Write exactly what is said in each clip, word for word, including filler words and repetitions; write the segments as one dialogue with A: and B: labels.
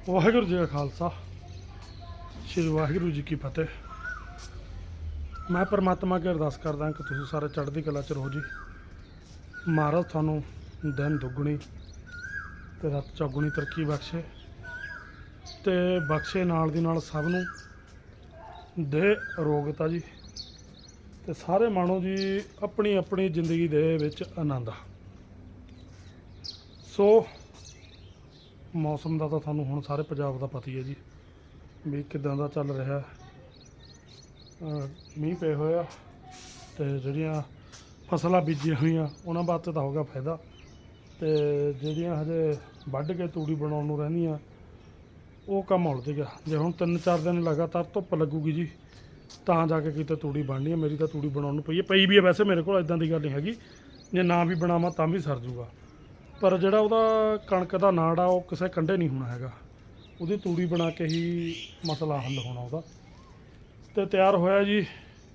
A: ਵਾਹਿਗੁਰੂ ਜੀ ਕਾ ਖਾਲਸਾ ਸ਼੍ਰੀ ਵਾਹਿਗੁਰੂ ਜੀ ਕੀ ਫਤਿਹ। ਮੈਂ परमात्मा ਅੱਗੇ ਅਰਦਾਸ ਕਰਦਾ ਕਿ ਤੁਸੀਂ ਸਾਰੇ ਚੜ੍ਹਦੀ ਕਲਾ 'ਚ ਰਹੋ ਜੀ। ਮਹਾਰਾਜ ਤੁਹਾਨੂੰ ਦਿਨ ਦੁੱਗਣੀ ਤੇ ਰਾਤ ਚੌਗੁਣੀ ਤਰੱਕੀ ਬਖਸ਼ੇ ਤੇ ਬਖਸ਼ੇ ਨਾਲ ਦੀ ਨਾਲ ਸਭ ਨੂੰ ਦੇ ਅਰੋਗਤਾ ਜੀ ਤੇ ਸਾਰੇ ਮਾਣੋ ਜੀ ਆਪਣੀ ਆਪਣੀ ਜ਼ਿੰਦਗੀ ਦੇ ਵਿੱਚ ਆਨੰਦ। ਸੋ ਮੌਸਮ ਦਾ ਤਾਂ ਤੁਹਾਨੂੰ ਹੁਣ ਸਾਰੇ ਪੰਜਾਬ ਦਾ ਪਤਾ ਹੀ ਹੈ ਜੀ ਵੀ ਕਿੱਦਾਂ ਦਾ ਚੱਲ ਰਿਹਾ। ਮੀਂਹ ਪਏ ਹੋਏ ਆ ਤੇ ਜਿਹੜੀਆਂ ਫਸਲਾਂ ਬੀਜੀਆਂ ਹੋਈਆਂ ਉਹਨਾਂ ਵਾਸਤੇ ਤਾਂ ਹੋਗਾ ਫਾਇਦਾ, ਤੇ ਜਿਹੜੀਆਂ ਹਜੇ ਵੱਢ ਕੇ ਤੂੜੀ ਬਣਾਉਣ ਨੂੰ ਰਹਿੰਦੀਆਂ ਉਹ ਕੰਮ ਉਲਝ ਗਿਆ। ਜੇ ਹੁਣ ਤਿੰਨ ਚਾਰ ਦਿਨ ਲਗਾਤਾਰ ਧੁੱਪ ਲੱਗੂਗੀ ਜੀ ਤਾਂ ਜਾ ਕੇ ਕਿਤੇ ਤੂੜੀ ਬਣਨੀ ਹੈ। ਮੇਰੀ ਤਾਂ ਤੂੜੀ ਬਣਾਉਣ ਨੂੰ ਪਈ ਹੈ ਪਈ ਵੀ ਹੈ ਵੈਸੇ ਮੇਰੇ ਕੋਲ, ਇੱਦਾਂ ਦੀ ਗੱਲ ਨਹੀਂ ਹੈਗੀ, ਜੇ ਨਾ ਵੀ ਬਣਾਵਾਂ ਤਾਂ ਵੀ ਸਰ ਜੂਗਾ। ਪਰ ਜਿਹੜਾ ਉਹਦਾ ਕਣਕ ਦਾ ਨਾੜ ਆ ਉਹ ਕਿਸੇ ਕੰਢੇ ਨਹੀਂ ਹੋਣਾ ਹੈਗਾ, ਉਹਦੀ ਤੂੜੀ ਬਣਾ ਕੇ ਹੀ ਮਸਲਾ ਹੱਲ ਹੋਣਾ ਉਹਦਾ। ਤੇ ਤਿਆਰ ਹੋਇਆ ਜੀ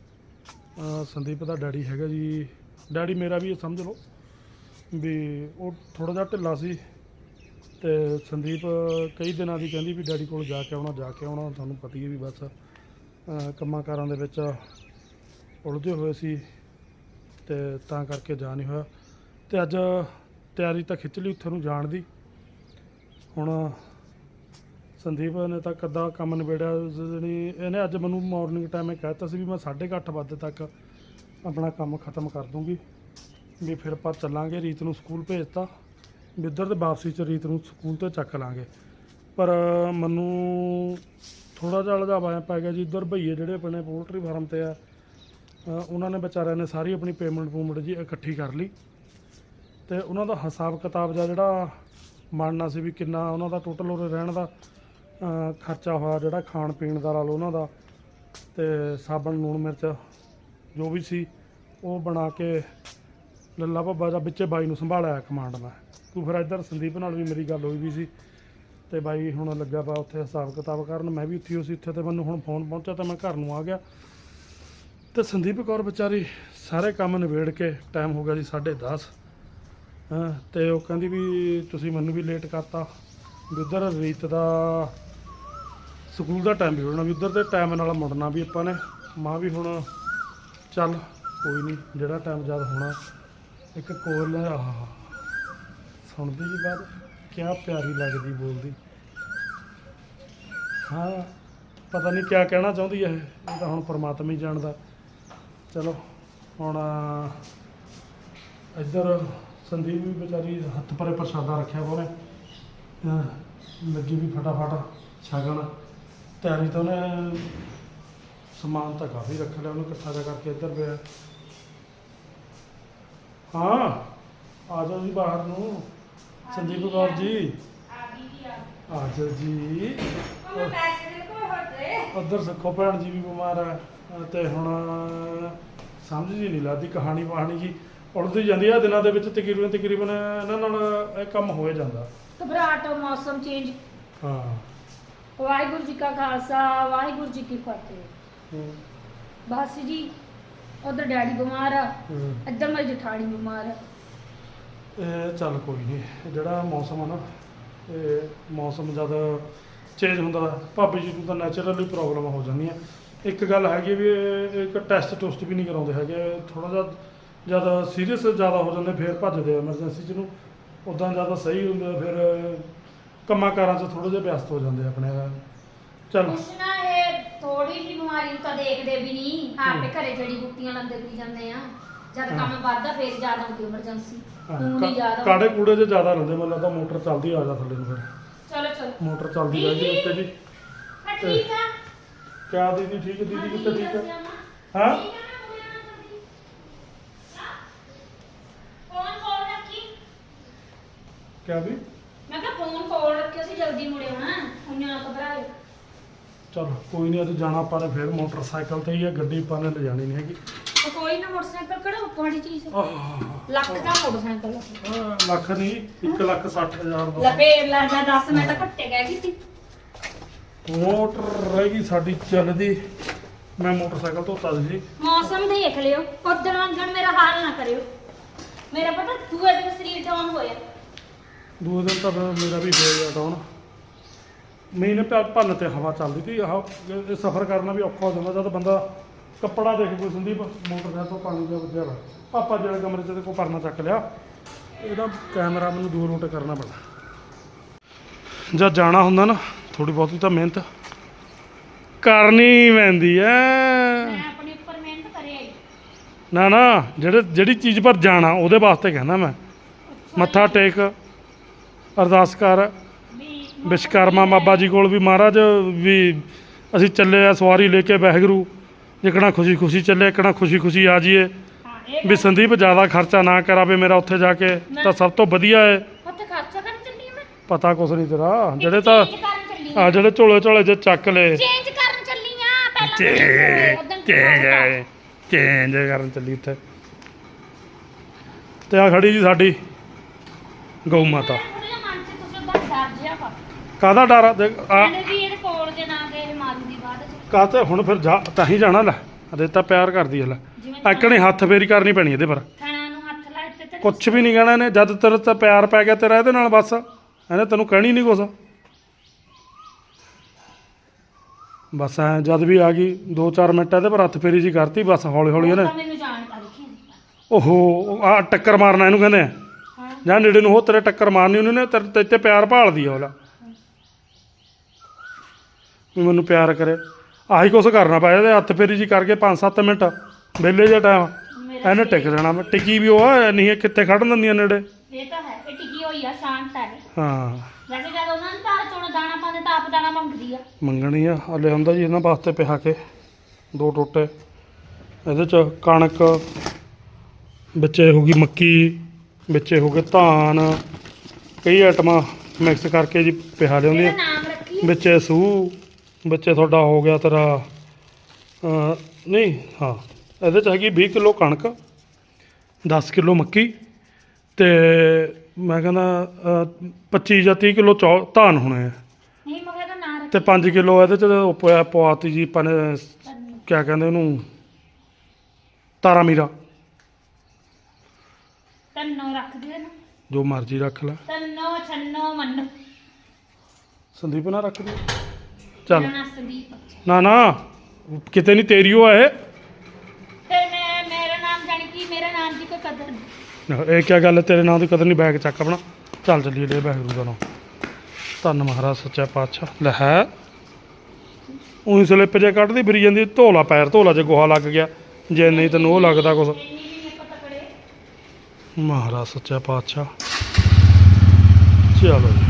A: ਸੰਦੀਪ ਦਾ ਡੈਡੀ ਹੈਗਾ ਜੀ, ਡੈਡੀ ਮੇਰਾ ਵੀ ਸਮਝ ਲਓ ਵੀ ਉਹ ਥੋੜ੍ਹਾ ਜਿਹਾ ਢਿੱਲਾ ਸੀ ਤੇ ਸੰਦੀਪ ਕਈ ਦਿਨਾਂ ਦੀ ਕਹਿੰਦੀ ਵੀ ਡੈਡੀ ਕੋਲ ਜਾ ਕੇ ਆਉਣਾ ਜਾ ਕੇ ਆਉਣਾ। ਤੁਹਾਨੂੰ ਪਤਾ ਹੀ ਹੈ ਵੀ ਬਸ ਕੰਮਾਂ ਕਾਰਾਂ ਦੇ ਵਿੱਚ ਉਲਝੇ ਹੋਏ ਸੀ ਤੇ ਤਾਂ ਕਰਕੇ ਜਾ ਨਹੀਂ ਹੋਇਆ। ਤੇ ਅੱਜ ਤਿਆਰੀ ਤਾਂ ਖਿੱਚ ਲਈ ਉੱਥੇ ਨੂੰ ਜਾਣ ਦੀ। ਹੁਣ ਸੰਦੀਪ ਨੇ ਤਾਂ ਕੱਦਾ ਕੰਮ ਨਿਬੇੜਿਆ, ਜਿਹੜੀ ਇਹਨੇ ਅੱਜ ਮੈਨੂੰ ਮੋਰਨਿੰਗ ਟਾਈਮ ਇਹ ਕਹਿ ਦਿੱਤਾ ਸੀ ਵੀ ਮੈਂ ਸਾਢੇ ਕੁ ਅੱਠ ਵਜੇ ਤੱਕ ਆਪਣਾ ਕੰਮ ਖਤਮ ਕਰ ਦੂੰਗੀ ਵੀ ਫਿਰ ਆਪਾਂ ਚੱਲਾਂਗੇ। ਰੀਤ ਨੂੰ ਸਕੂਲ ਭੇਜਤਾ ਵੀ ਉੱਧਰ ਤੇ ਵਾਪਸੀ 'ਚ ਰੀਤ ਨੂੰ ਸਕੂਲ ਤੋਂ ਚੱਕ ਲਾਂਗੇ। ਪਰ ਮੈਨੂੰ ਥੋੜ੍ਹਾ ਜਿਹਾ ਲਜਾਵਾ ਪੈ ਗਿਆ ਜੀ, ਇੱਧਰ ਭਈਏ ਜਿਹੜੇ ਆਪਣੇ ਪੋਲਟਰੀ ਫਾਰਮ 'ਤੇ ਆ ਉਹਨਾਂ ਨੇ ਵਿਚਾਰਿਆਂ ਨੇ ਸਾਰੀ ਆਪਣੀ ਪੇਮੈਂਟ ਪੂਮੈਂਟ ਜੀ ਇਕੱਠੀ ਕਰ ਲਈ ਤੇ ਉਹਨਾਂ ਦਾ ਹਿਸਾਬ ਕਿਤਾਬ ਜਿਹਾ ਜਿਹੜਾ ਬਣਨਾ ਸੀ ਵੀ ਕਿੰਨਾ ਉਹਨਾਂ ਦਾ ਟੋਟਲ ਉਰੇ ਰਹਿਣ ਦਾ ਖਰਚਾ ਹੋਇਆ, ਜਿਹੜਾ ਖਾਣ ਪੀਣ ਦਾ ਲਾ ਲਓ ਉਹਨਾਂ ਦਾ, ਤੇ ਸਾਬਣ ਲੂਣ ਮਿਰਚ ਜੋ ਵੀ ਸੀ ਉਹ ਬਣਾ ਕੇ ਲੱਲਾ ਭੱਬਾ ਜਾਂ ਵਿੱਚੇ ਬਾਈ ਨੂੰ ਸੰਭਾਲਿਆ ਕਮਾਂਡ ਮੈਂ। ਤੂੰ ਫਿਰ ਇੱਧਰ ਸੰਦੀਪ ਨਾਲ ਵੀ ਮੇਰੀ ਗੱਲ ਹੋਈ ਵੀ ਸੀ ਤੇ ਬਾਈ ਹੁਣ ਲੱਗਾ ਵਾ ਉੱਥੇ ਹਿਸਾਬ ਕਿਤਾਬ ਕਰਨ, ਮੈਂ ਵੀ ਉੱਥੇ ਹੋ ਸੀ ਉੱਥੇ। ਤੇ ਮੈਨੂੰ ਹੁਣ ਫੋਨ ਪਹੁੰਚਿਆ ਤਾਂ ਮੈਂ ਘਰ ਨੂੰ ਆ ਗਿਆ ਤੇ ਸੰਦੀਪ ਕੌਰ ਵਿਚਾਰੀ ਸਾਰੇ ਕੰਮ ਨਿਬੇੜ ਕੇ ਟਾਈਮ ਹੋ ਗਿਆ ਜੀ ਸਾਢੇ ਦਸ। ਹਾਂ ਤੇ ਉਹ ਕਹਿੰਦੀ ਵੀ ਤੁਸੀਂ ਮੈਨੂੰ ਵੀ ਲੇਟ ਕਰਤਾ ਵੀ ਉੱਧਰ ਰੀਤ ਦਾ ਸਕੂਲ ਦਾ ਟਾਈਮ ਵੀ ਹੋਣਾ ਵੀ ਉੱਧਰ ਦੇ ਟਾਈਮ ਨਾਲ ਮੁੜਨਾ ਵੀ ਆਪਾਂ ਨੇ। ਮਾਂ ਵੀ ਹੁਣ ਚੱਲ ਕੋਈ ਨਹੀਂ ਜਿਹੜਾ ਟਾਈਮ ਜਦ ਹੋਣਾ। ਇੱਕ ਕੋਲ ਆਹ ਸੁਣਦੀ ਜੀ ਬਾਤ ਕਿਆ ਪਿਆਰੀ ਲੱਗਦੀ ਬੋਲਦੀ। ਹਾਂ ਪਤਾ ਨਹੀਂ ਕਿਆ ਕਹਿਣਾ ਚਾਹੁੰਦੀ ਹੈ ਇਹ ਤਾਂ ਹੁਣ ਪਰਮਾਤਮਾ ਹੀ ਜਾਣਦਾ। ਚਲੋ ਹੁਣ ਇੱਧਰ ਸੰਦੀਪ ਵੀ ਵਿਚਾਰੀ ਹੱਥ ਪਰੇ ਪ੍ਰਸ਼ਾਦਾ ਰੱਖਿਆ ਵਾ ਉਹਨੇ, ਲੱਗੀ ਵੀ ਫਟਾਫਟ ਛਕਣ। ਤਿਆਰੀ ਤਾਂ ਉਹਨੇ ਸਮਾਨ ਤਾਂ ਕਾਫੀ ਰੱਖ ਲਿਆ ਉਹਨੇ ਇਕੱਠਾ ਜਿਹਾ ਕਰਕੇ ਇੱਧਰ ਪਿਆ। ਹਾਂ ਆ ਜਾਓ ਜੀ ਬਾਹਰ ਨੂੰ ਸੰਦੀਪ ਕੌਰ ਜੀ, ਆ ਜਾਓ ਜੀ। ਉੱਧਰ ਸਿੱਖੋ ਭੈਣ ਜੀ ਵੀ ਬਿਮਾਰ ਹੈ ਤੇ ਹੁਣ ਸਮਝ ਜੀ ਨਹੀਂ ਲੱਗਦੀ, ਕਹਾਣੀ ਵਾਹਣੀ ਜੀ ਉੜਦੀ ਜਾਂਦੀ ਆ ਦਿਨਾਂ ਦੇ ਵਿੱਚ। ਤਕਰੀਬਨ ਤਕਰੀਬਨ ਇਹਨਾਂ ਨਾਲ ਇਹ ਕੰਮ ਹੋ ਜਾਂਦਾ।
B: ਘਬਰਾਹਟ ਮੌਸਮ ਚੇਂਜ।
A: ਹਾਂ
B: ਵਾਹਿਗੁਰੂ ਜੀ ਕਾ ਖਾਲਸਾ ਵਾਹਿਗੁਰੂ ਜੀ ਕੀ ਫਤਿਹ। ਬਸ ਜੀ ਉਧਰ ਡੈਡੀ ਬਿਮਾਰ ਆ, ਇੱਧਰ ਮੇਰੀ ਜਠਾਣੀ ਬਿਮਾਰ ਆ।
A: ਇਹ ਚੱਲ ਕੋਈ ਨਹੀਂ, ਜਿਹੜਾ ਮੌਸਮ ਆ ਨਾ ਇਹ ਮੌਸਮ ਜਦ ਚੇਂਜ ਹੁੰਦਾ ਭਾਬੀ ਜੀ ਨੂੰ ਤਾਂ ਨੈਚੁਰਲੀ ਪ੍ਰੋਬਲਮ ਹੋ ਜਾਂਦੀਆਂ। ਇੱਕ ਗੱਲ ਹੈਗੀ ਵੀ ਇਹ ਇੱਕ ਟੈਸਟ ਟੁਸਟ ਵੀ ਨਹੀਂ ਕਰਾਉਂਦੇ ਹੈਗੇ। ਥੋੜ੍ਹਾ ਜਿਹਾ ਜਦ ਸੀਰੀਅਸ ਜ਼ਿਆਦਾ ਹੋ ਜਾਂਦੇ ਫਿਰ ਭੱਜਦੇ ਆ ਐਮਰਜੈਂਸੀ 'ਚ ਨੂੰ। ਉੱਦਾਂ ਜ਼ਿਆਦਾ ਸਹੀ ਹੁੰਦੇ ਫਿਰ ਕੰਮਾਂ ਕਾਰਾਂ 'ਚ ਥੋੜ੍ਹੇ ਜਿਹੇ ਵਿਅਸਤ ਹੋ ਜਾਂਦੇ ਆਪਣੇ। ਚੱਲ
B: ਕੁਛ ਨਾ ਇਹ ਥੋੜੀ ਜਿਹੀ ਬਿਮਾਰੀ ਨੂੰ ਤਾਂ ਦੇਖਦੇ ਵੀ ਨਹੀਂ, ਆਪੇ ਘਰੇ ਜੜੀ ਬੂਟੀਆਂ ਲਾਉਂਦੇ ਪੀ ਜਾਂਦੇ ਆ। ਜਦ ਕੰਮ ਵੱਧਦਾ ਫਿਰ ਜ਼ਿਆਦਾ ਹੁੰਦੀ ਐਮਰਜੈਂਸੀ। ਹੁਣ ਨਹੀਂ ਜ਼ਿਆਦਾ
A: ਕਾੜੇ ਕੂੜੇ 'ਚ ਜ਼ਿਆਦਾ ਰਹਿੰਦੇ। ਮੈਨੂੰ ਲੱਗਦਾ ਮੋਟਰ ਚੱਲਦੀ ਆ ਜਾ ਥੱਲੇ ਨੂੰ ਫਿਰ।
B: ਚਲੋ ਚਲੋ
A: ਮੋਟਰ ਚੱਲਦੀ ਰਹਿ ਗਈ ਉੱਤੇ ਜੀ।
B: ਠੀਕ ਆ
A: ਕਿਆ ਦੀਦੀ ਠੀਕ? ਦੀਦੀ ਕਿੱਥੇ ਠੀਕ ਹੈ? ਹਾਂ
B: ਫੋਨ ਕੋਲ ਰੱਖੀ।
A: ਕਿਆ ਵੀ?
B: ਮੈਂ ਕਿਹਾ ਫੋਨ ਕੋਲ ਰੱਖਿਓ ਸੀ, ਜਲਦੀ ਮੁੜੇ ਹੋਣਾ, ਉਹਨਾਂ ਨਾ ਘਬਰਾਇਓ।
A: ਚਲ ਕੋਈ ਨਹੀਂ, ਅੱਜ ਜਾਣਾ ਆਪਾਂ ਨੇ ਫਿਰ ਮੋਟਰਸਾਈਕਲ ਤੇ ਹੀ ਆ, ਗੱਡੀ ਆਪਾਂ ਨੇ ਲਿਜਾਣੀ ਨਹੀਂ ਹੈਗੀ।
B: ਉਹ ਕੋਈ ਨਾ ਮੋਟਰਸਾਈਕਲ ਕਿਹੜਾ ਉੱਪਰ ਚੀਜ਼ ਲੱਖ ਦਾ ਮੋਟਰਸਾਈਕਲ
A: ਆਹ ਲੱਖ ਨਹੀਂ ਇੱਕ ਲੱਖ ਸੱਠ ਹਜ਼ਾਰ ਦਾ।
B: ਲੈ ਫੇਰ ਲੈ ਜਾ ਦਸ, ਮੈਂ ਤਾਂ ਘੱਟੇ ਕਹਿ ਗਈ ਸੀ।
A: ਮੋਟਰ ਰਹਿ ਗਈ ਸਾਡੀ ਚੱਲਦੀ। ਮੈਂ ਮੋਟਰਸਾਈਕਲ ਧੋਤਾ ਸੀ।
B: ਮੌਸਮ ਦੇਖ ਲਿਓ, ਉਦਣ ਵਾਂਗਣ ਮੇਰਾ ਹਾਲ ਨਾ ਕਰਿਓ। ਮੇਰਾ ਪਤਾ ਦੂਏ ਦਿਨ ਸਰੀਰ ਡਾਊਨ ਹੋਇਆ।
A: ਦੂਏ ਦਿਨ ਤਾਂ ਮੇਰਾ ਵੀ ਹੋ ਗਿਆ ਡਾਊਨ। ਮੀਂਹ ਨੇ ਭੰ- ਭੰਨ ਤੇ ਹਵਾ ਚੱਲਦੀ ਤੀ ਆਹ ਇਹ ਸਫ਼ਰ ਕਰਨਾ ਵੀ ਔਖਾ ਹੋ ਜਾਂਦਾ ਜਦ ਬੰਦਾ ਕੱਪੜਾ ਦੇਖ ਕੋਈ ਸੰਦੀਪ ਮੋਟਰਸਾਈਕਲ ਤੋਂ ਪਾਣੀ ਦਾ ਵੱਜਿਆ ਵਾ ਪਾਪਾ ਜਿਹੜੇ ਕਮਰੇ 'ਚ ਤੇ ਕੋਈ ਪਰਨਾ ਚੱਕ ਲਿਆ ਇਹਦਾ ਕੈਮਰਾ ਮੈਨੂੰ ਦੂਰ ਰੋਟ ਕਰਨਾ ਪੈਣਾ ਜਦ ਜਾਣਾ ਹੁੰਦਾ ਨਾ ਥੋੜੀ ਬਹੁਤੀ ਤਾਂ ਮਿਹਨਤ ਕਰਨੀ ਪੈਂਦੀ ਐ
B: ਮੈਂ ਆਪਣੇ ਉੱਪਰ ਮਿਹਨਤ ਕਰਿਆ ਹੀ
A: ਨਾ ਨਾ ਜਿਹੜੇ ਜਿਹੜੀ ਚੀਜ਼ ਪਰ ਜਾਣਾ ਉਹਦੇ ਵਾਸਤੇ ਕਹਿੰਦਾ ਮੈਂ ਮੱਥਾ ਟੇਕ ਅਰਦਾਸ ਕਰ
B: ਵੀ
A: ਵਿਸ਼ਕਰਮਾ ਬਾਬਾ ਜੀ ਕੋਲ ਵੀ ਮਹਾਰਾਜ ਵੀ ਅਸੀਂ ਚੱਲੇ ਆ ਸਵਾਰੀ ਲੈ ਕੇ ਵਾਹਿਗੁਰੂ ਜਿਕਣਾ ਖੁਸ਼ੀ ਖੁਸ਼ੀ ਚੱਲੇ ਇਕਣਾ ਖੁਸ਼ੀ ਖੁਸ਼ੀ ਆ ਜਾਈਏ
B: ਹਾਂ ਇਹ
A: ਵੀ ਸੰਦੀਪ ਜ਼ਿਆਦਾ ਖਰਚਾ ਨਾ ਕਰਾਵੇ ਮੇਰਾ ਉੱਥੇ ਜਾ ਕੇ ਤਾਂ ਸਭ ਤੋਂ ਵਧੀਆ ਹੈ
B: ਉੱਥੇ ਖਰਚਾ ਕਰਨ ਚੱਲੀ ਮੈਂ
A: ਪਤਾ ਕੁਛ ਨਹੀਂ ਤੇਰਾ ਜਿਹੜੇ ਤਾਂ
B: ਚੇਂਜ ਕਰਨ ਚੱਲੀ
A: ਆ ਜਿਹੜੇ ਝੋਲੇ ਝੋਲੇ ਜੇ ਚੱਕ ਲਏ
B: ਚੇਂਜ ਕਰਨ ਚੱਲੀ ਆ ਪਹਿਲਾਂ
A: ਚੇਂਜ ਚੇਂਜ ਚੇਂਜ ਕਰਨ ਚੱਲੀ ਉੱਥੇ ਤੇ ਆ ਖੜੀ ਜੀ ਸਾਡੀ ਗਊ ਮਾਤਾ
B: ਥੋੜਾ ਜਿਹਾ ਮਨ 'ਚ ਤੁਸੀਂ ਉਹਦਾ ਡਰ ਜਿਹਾ ਵਾ
A: ਕਾਹਦਾ ਡਰ ਆ ਦੇਖ ਆ
B: ਕਹਿੰਦੇ ਵੀ ਇਹਦੇ ਕੋਲ ਜੇ ਨਾ ਗਏ ਮਾਰੂ ਦੀ ਬਾਅਦ 'ਚ
A: ਕਾਹਤੇ ਹੁਣ ਫਿਰ ਜਾ ਤਾਂ ਹੀ ਜਾਣਾ ਲੈ ਅਦੇ ਤਾਂ ਪਿਆਰ ਕਰਦੀ ਹੈ ਲੈ
B: ਜਿਵੇਂ
A: ਐਕਣੇ ਹੱਥ ਫੇਰੀ ਕਰਨੀ ਪੈਣੀ ਇਹਦੇ ਪਰ
B: ਥਣਾ ਨੂੰ ਹੱਥ ਲਾ ਦਿੱਤੇ ਤੇ
A: ਕੁਛ ਵੀ ਨਹੀਂ ਕਹਿਣਾ ਇਹਨੇ ਜਦ ਤੇਰੇ ਤਾਂ ਪਿਆਰ ਪੈ ਗਿਆ ਤੇਰਾ ਇਹਦੇ ਨਾਲ ਬਸ ਇਹਨੇ ਤੈਨੂੰ ਕਹਿਣੀ ਨਹੀਂ ਕੁਛ ਬਸ ਐ ਜਦ ਵੀ ਆ ਗਈ ਦੋ ਚਾਰ ਮਿੰਟ ਇਹਦੇ ਪਰ ਹੱਥ ਫੇਰੀ ਜੀ ਕਰਤੀ ਬਸ ਹੌਲੀ ਹੌਲੀ ਇਹਨੇ
B: ਤਾਂ ਮੈਨੂੰ ਜਾਣਕਾਰੀ ਕੀ
A: ਓਹੋ ਆ ਟੱਕਰ ਮਾਰਨਾ ਇਹਨੂੰ ਕਹਿੰਦੇ ਆ
B: ਹਾਂ
A: ਜਾਂ ਨੇੜੇ ਨੂੰ ਹੋ ਤੇਰੇ ਟੱਕਰ ਮਾਰਨੀ ਉਹਨੇ ਤੇਰੇ ਤੇ ਤੇ ਪਿਆਰ ਭਾਲਦੀ ਆ ਉਹਲਾ ਵੀ ਮੈਨੂੰ ਪਿਆਰ ਕਰੇ ਆਹੀ ਕੁਛ ਕਰਨਾ ਪਿਆ ਇਹਦੇ ਹੱਥ ਫੇਰੀ ਜੀ ਕਰਕੇ ਪੰਜ ਸੱਤ ਮਿੰਟ ਵਿਹਲੇ ਜਿਹਾ ਟਾਈਮ
B: ਮੇਰਾ
A: ਇਹਨੇ ਟਿਕ ਜਾਣਾ ਮੈਂ ਟਿਕੀ ਵੀ ਉਹ ਆ ਨਹੀਂ ਇਹ ਕਿੱਥੇ ਖੜਨ ਦਿੰਦੀਆਂ ਨੇੜੇ
B: ਇਹ ਤਾਂ ਹੈ ਇਹ ਟਿਕੀ ਹੋਈ ਆ ਸ਼ਾਂਤ ਹੈ ਇਹ।
A: ਹਾਂ
B: ਵੈਸੇ ਜਦ ਉਹਨਾਂ ਨੂੰ ਧਾਰ ਚੋਂ ਦਾਣਾ ਪਾਉਂਦੇ ਤਾਂ ਆਪ ਦਾਣਾ ਮੰਗਦੀ ਆ
A: ਮੰਗਣੀ ਆ ਹਲੇ ਹੁੰਦਾ ਜੀ ਇਹਨਾਂ ਵਾਸਤੇ ਪਿਹਾ ਕੇ ਦੋ ਟੋਟੇ ਇਹਦੇ ਚ ਕਣਕ ਵਿੱਚੇ ਹੋ ਗਈ ਮੱਕੀ ਵਿੱਚੇ ਹੋ ਗਏ ਧਾਨ ਕਈ ਆਈਟਮਾਂ ਮਿਕਸ ਕਰਕੇ ਜੀ ਪਿਹਾ ਲਿਆਉਂਦੀਆਂ
B: ਇਹਦਾ ਨਾਮ ਰੱਖੀ
A: ਵਿੱਚੇ ਸੂਹ ਵਿੱਚੇ ਤੁਹਾਡਾ ਹੋ ਗਿਆ ਤੇਰਾ ਅਹ, ਨਹੀਂ ਹਾਂ ਇਹਦੇ ਚ ਹੈਗੀ ਵੀਹ ਕਿਲੋ ਕਣਕ ਦਸ ਕਿਲੋ ਮੱਕੀ ਤੇ ਮੈਂ ਕਹਿੰਦਾ ਅਹ, ਪੱਚੀ ਜਾਂ ਤੀਹ ਕਿਲੋ ਚੌ ਧਾਨ ਹੋਣੇ ਆ
B: ਨਹੀਂ ਮਗਰ ਇਹਦਾ ਨਾਮ ਰੱਖੀ
A: ਤੇ ਪੰਜ ਕਿਲੋ ਇਹਦੇ ਚ ਉਹ ਪਿਆ ਪਵਾਤੀ ਜੀ ਆਪਾਂ ਨੇ ਕਿਆ ਕਹਿੰਦੇ ਉਹਨੂੰ ਤਾਰਾ ਮੀਰਾ
B: ਤੰਨੋ ਰੱਖ ਦੇ ਨਾ
A: ਜੋ ਮਰਜ਼ੀ ਰੱਖ ਲੈ
B: ਤੰਨੋ ਛੰਨੋ ਮੰਨੋ
A: ਸੰਦੀਪ ਨਾ ਰੱਖ ਦੇ ਚੱਲ
B: ਮੇਰਾ ਨਾਮ ਸੰਦੀਪ
A: ਨਾ ਨਾ ਕਿਤੇ ਨਹੀਂ ਤੇਰੀ ਉਹ ਹੈ
B: ਤੇ ਮੈਂ ਮੇਰਾ ਨਾਮ ਜਾਣੀ ਕਿ ਮੇਰਾ ਨਾਮ ਦੀ ਕੋਈ ਕਦਰ ਨਹੀਂ
A: ਇਹ ਕਿਆ ਗੱਲ ਹੈ ਤੇਰੇ ਨਾਂ ਦੀ ਕਦਰ ਨਹੀਂ ਬੈਗ ਚੱਕ ਆਪਣਾ ਚੱਲ ਚੱਲੀਏ ਲੈ ਵਾਹਿਗੁਰੂ ਦਾ ਨਾਮ ਧੰਨ ਮਹਾਰਾਜ ਸੱਚਾ ਪਾਤਸ਼ਾਹ ਲੈ ਹੈ ਉਹੀ ਸਲਿੱਪ ਜੇ ਕੱਢਦੀ ਫਿਰੀ ਜਾਂਦੀ ਧੋਲਾ ਪੈਰ ਧੋਲਾ ਜੇ ਗੋਹਾ ਲੱਗ ਗਿਆ ਜੇ ਨਹੀਂ ਤੈਨੂੰ ਉਹ ਲੱਗਦਾ ਕੁਛ
B: ਇੰਨੀ ਵੀ ਨਹੀਂ ਆਪਾਂ ਤਕੜੇ
A: ਮਹਾਰਾਜ ਸੱਚਾ ਪਾਤਸ਼ਾਹ ਚਲੋ ਜੀ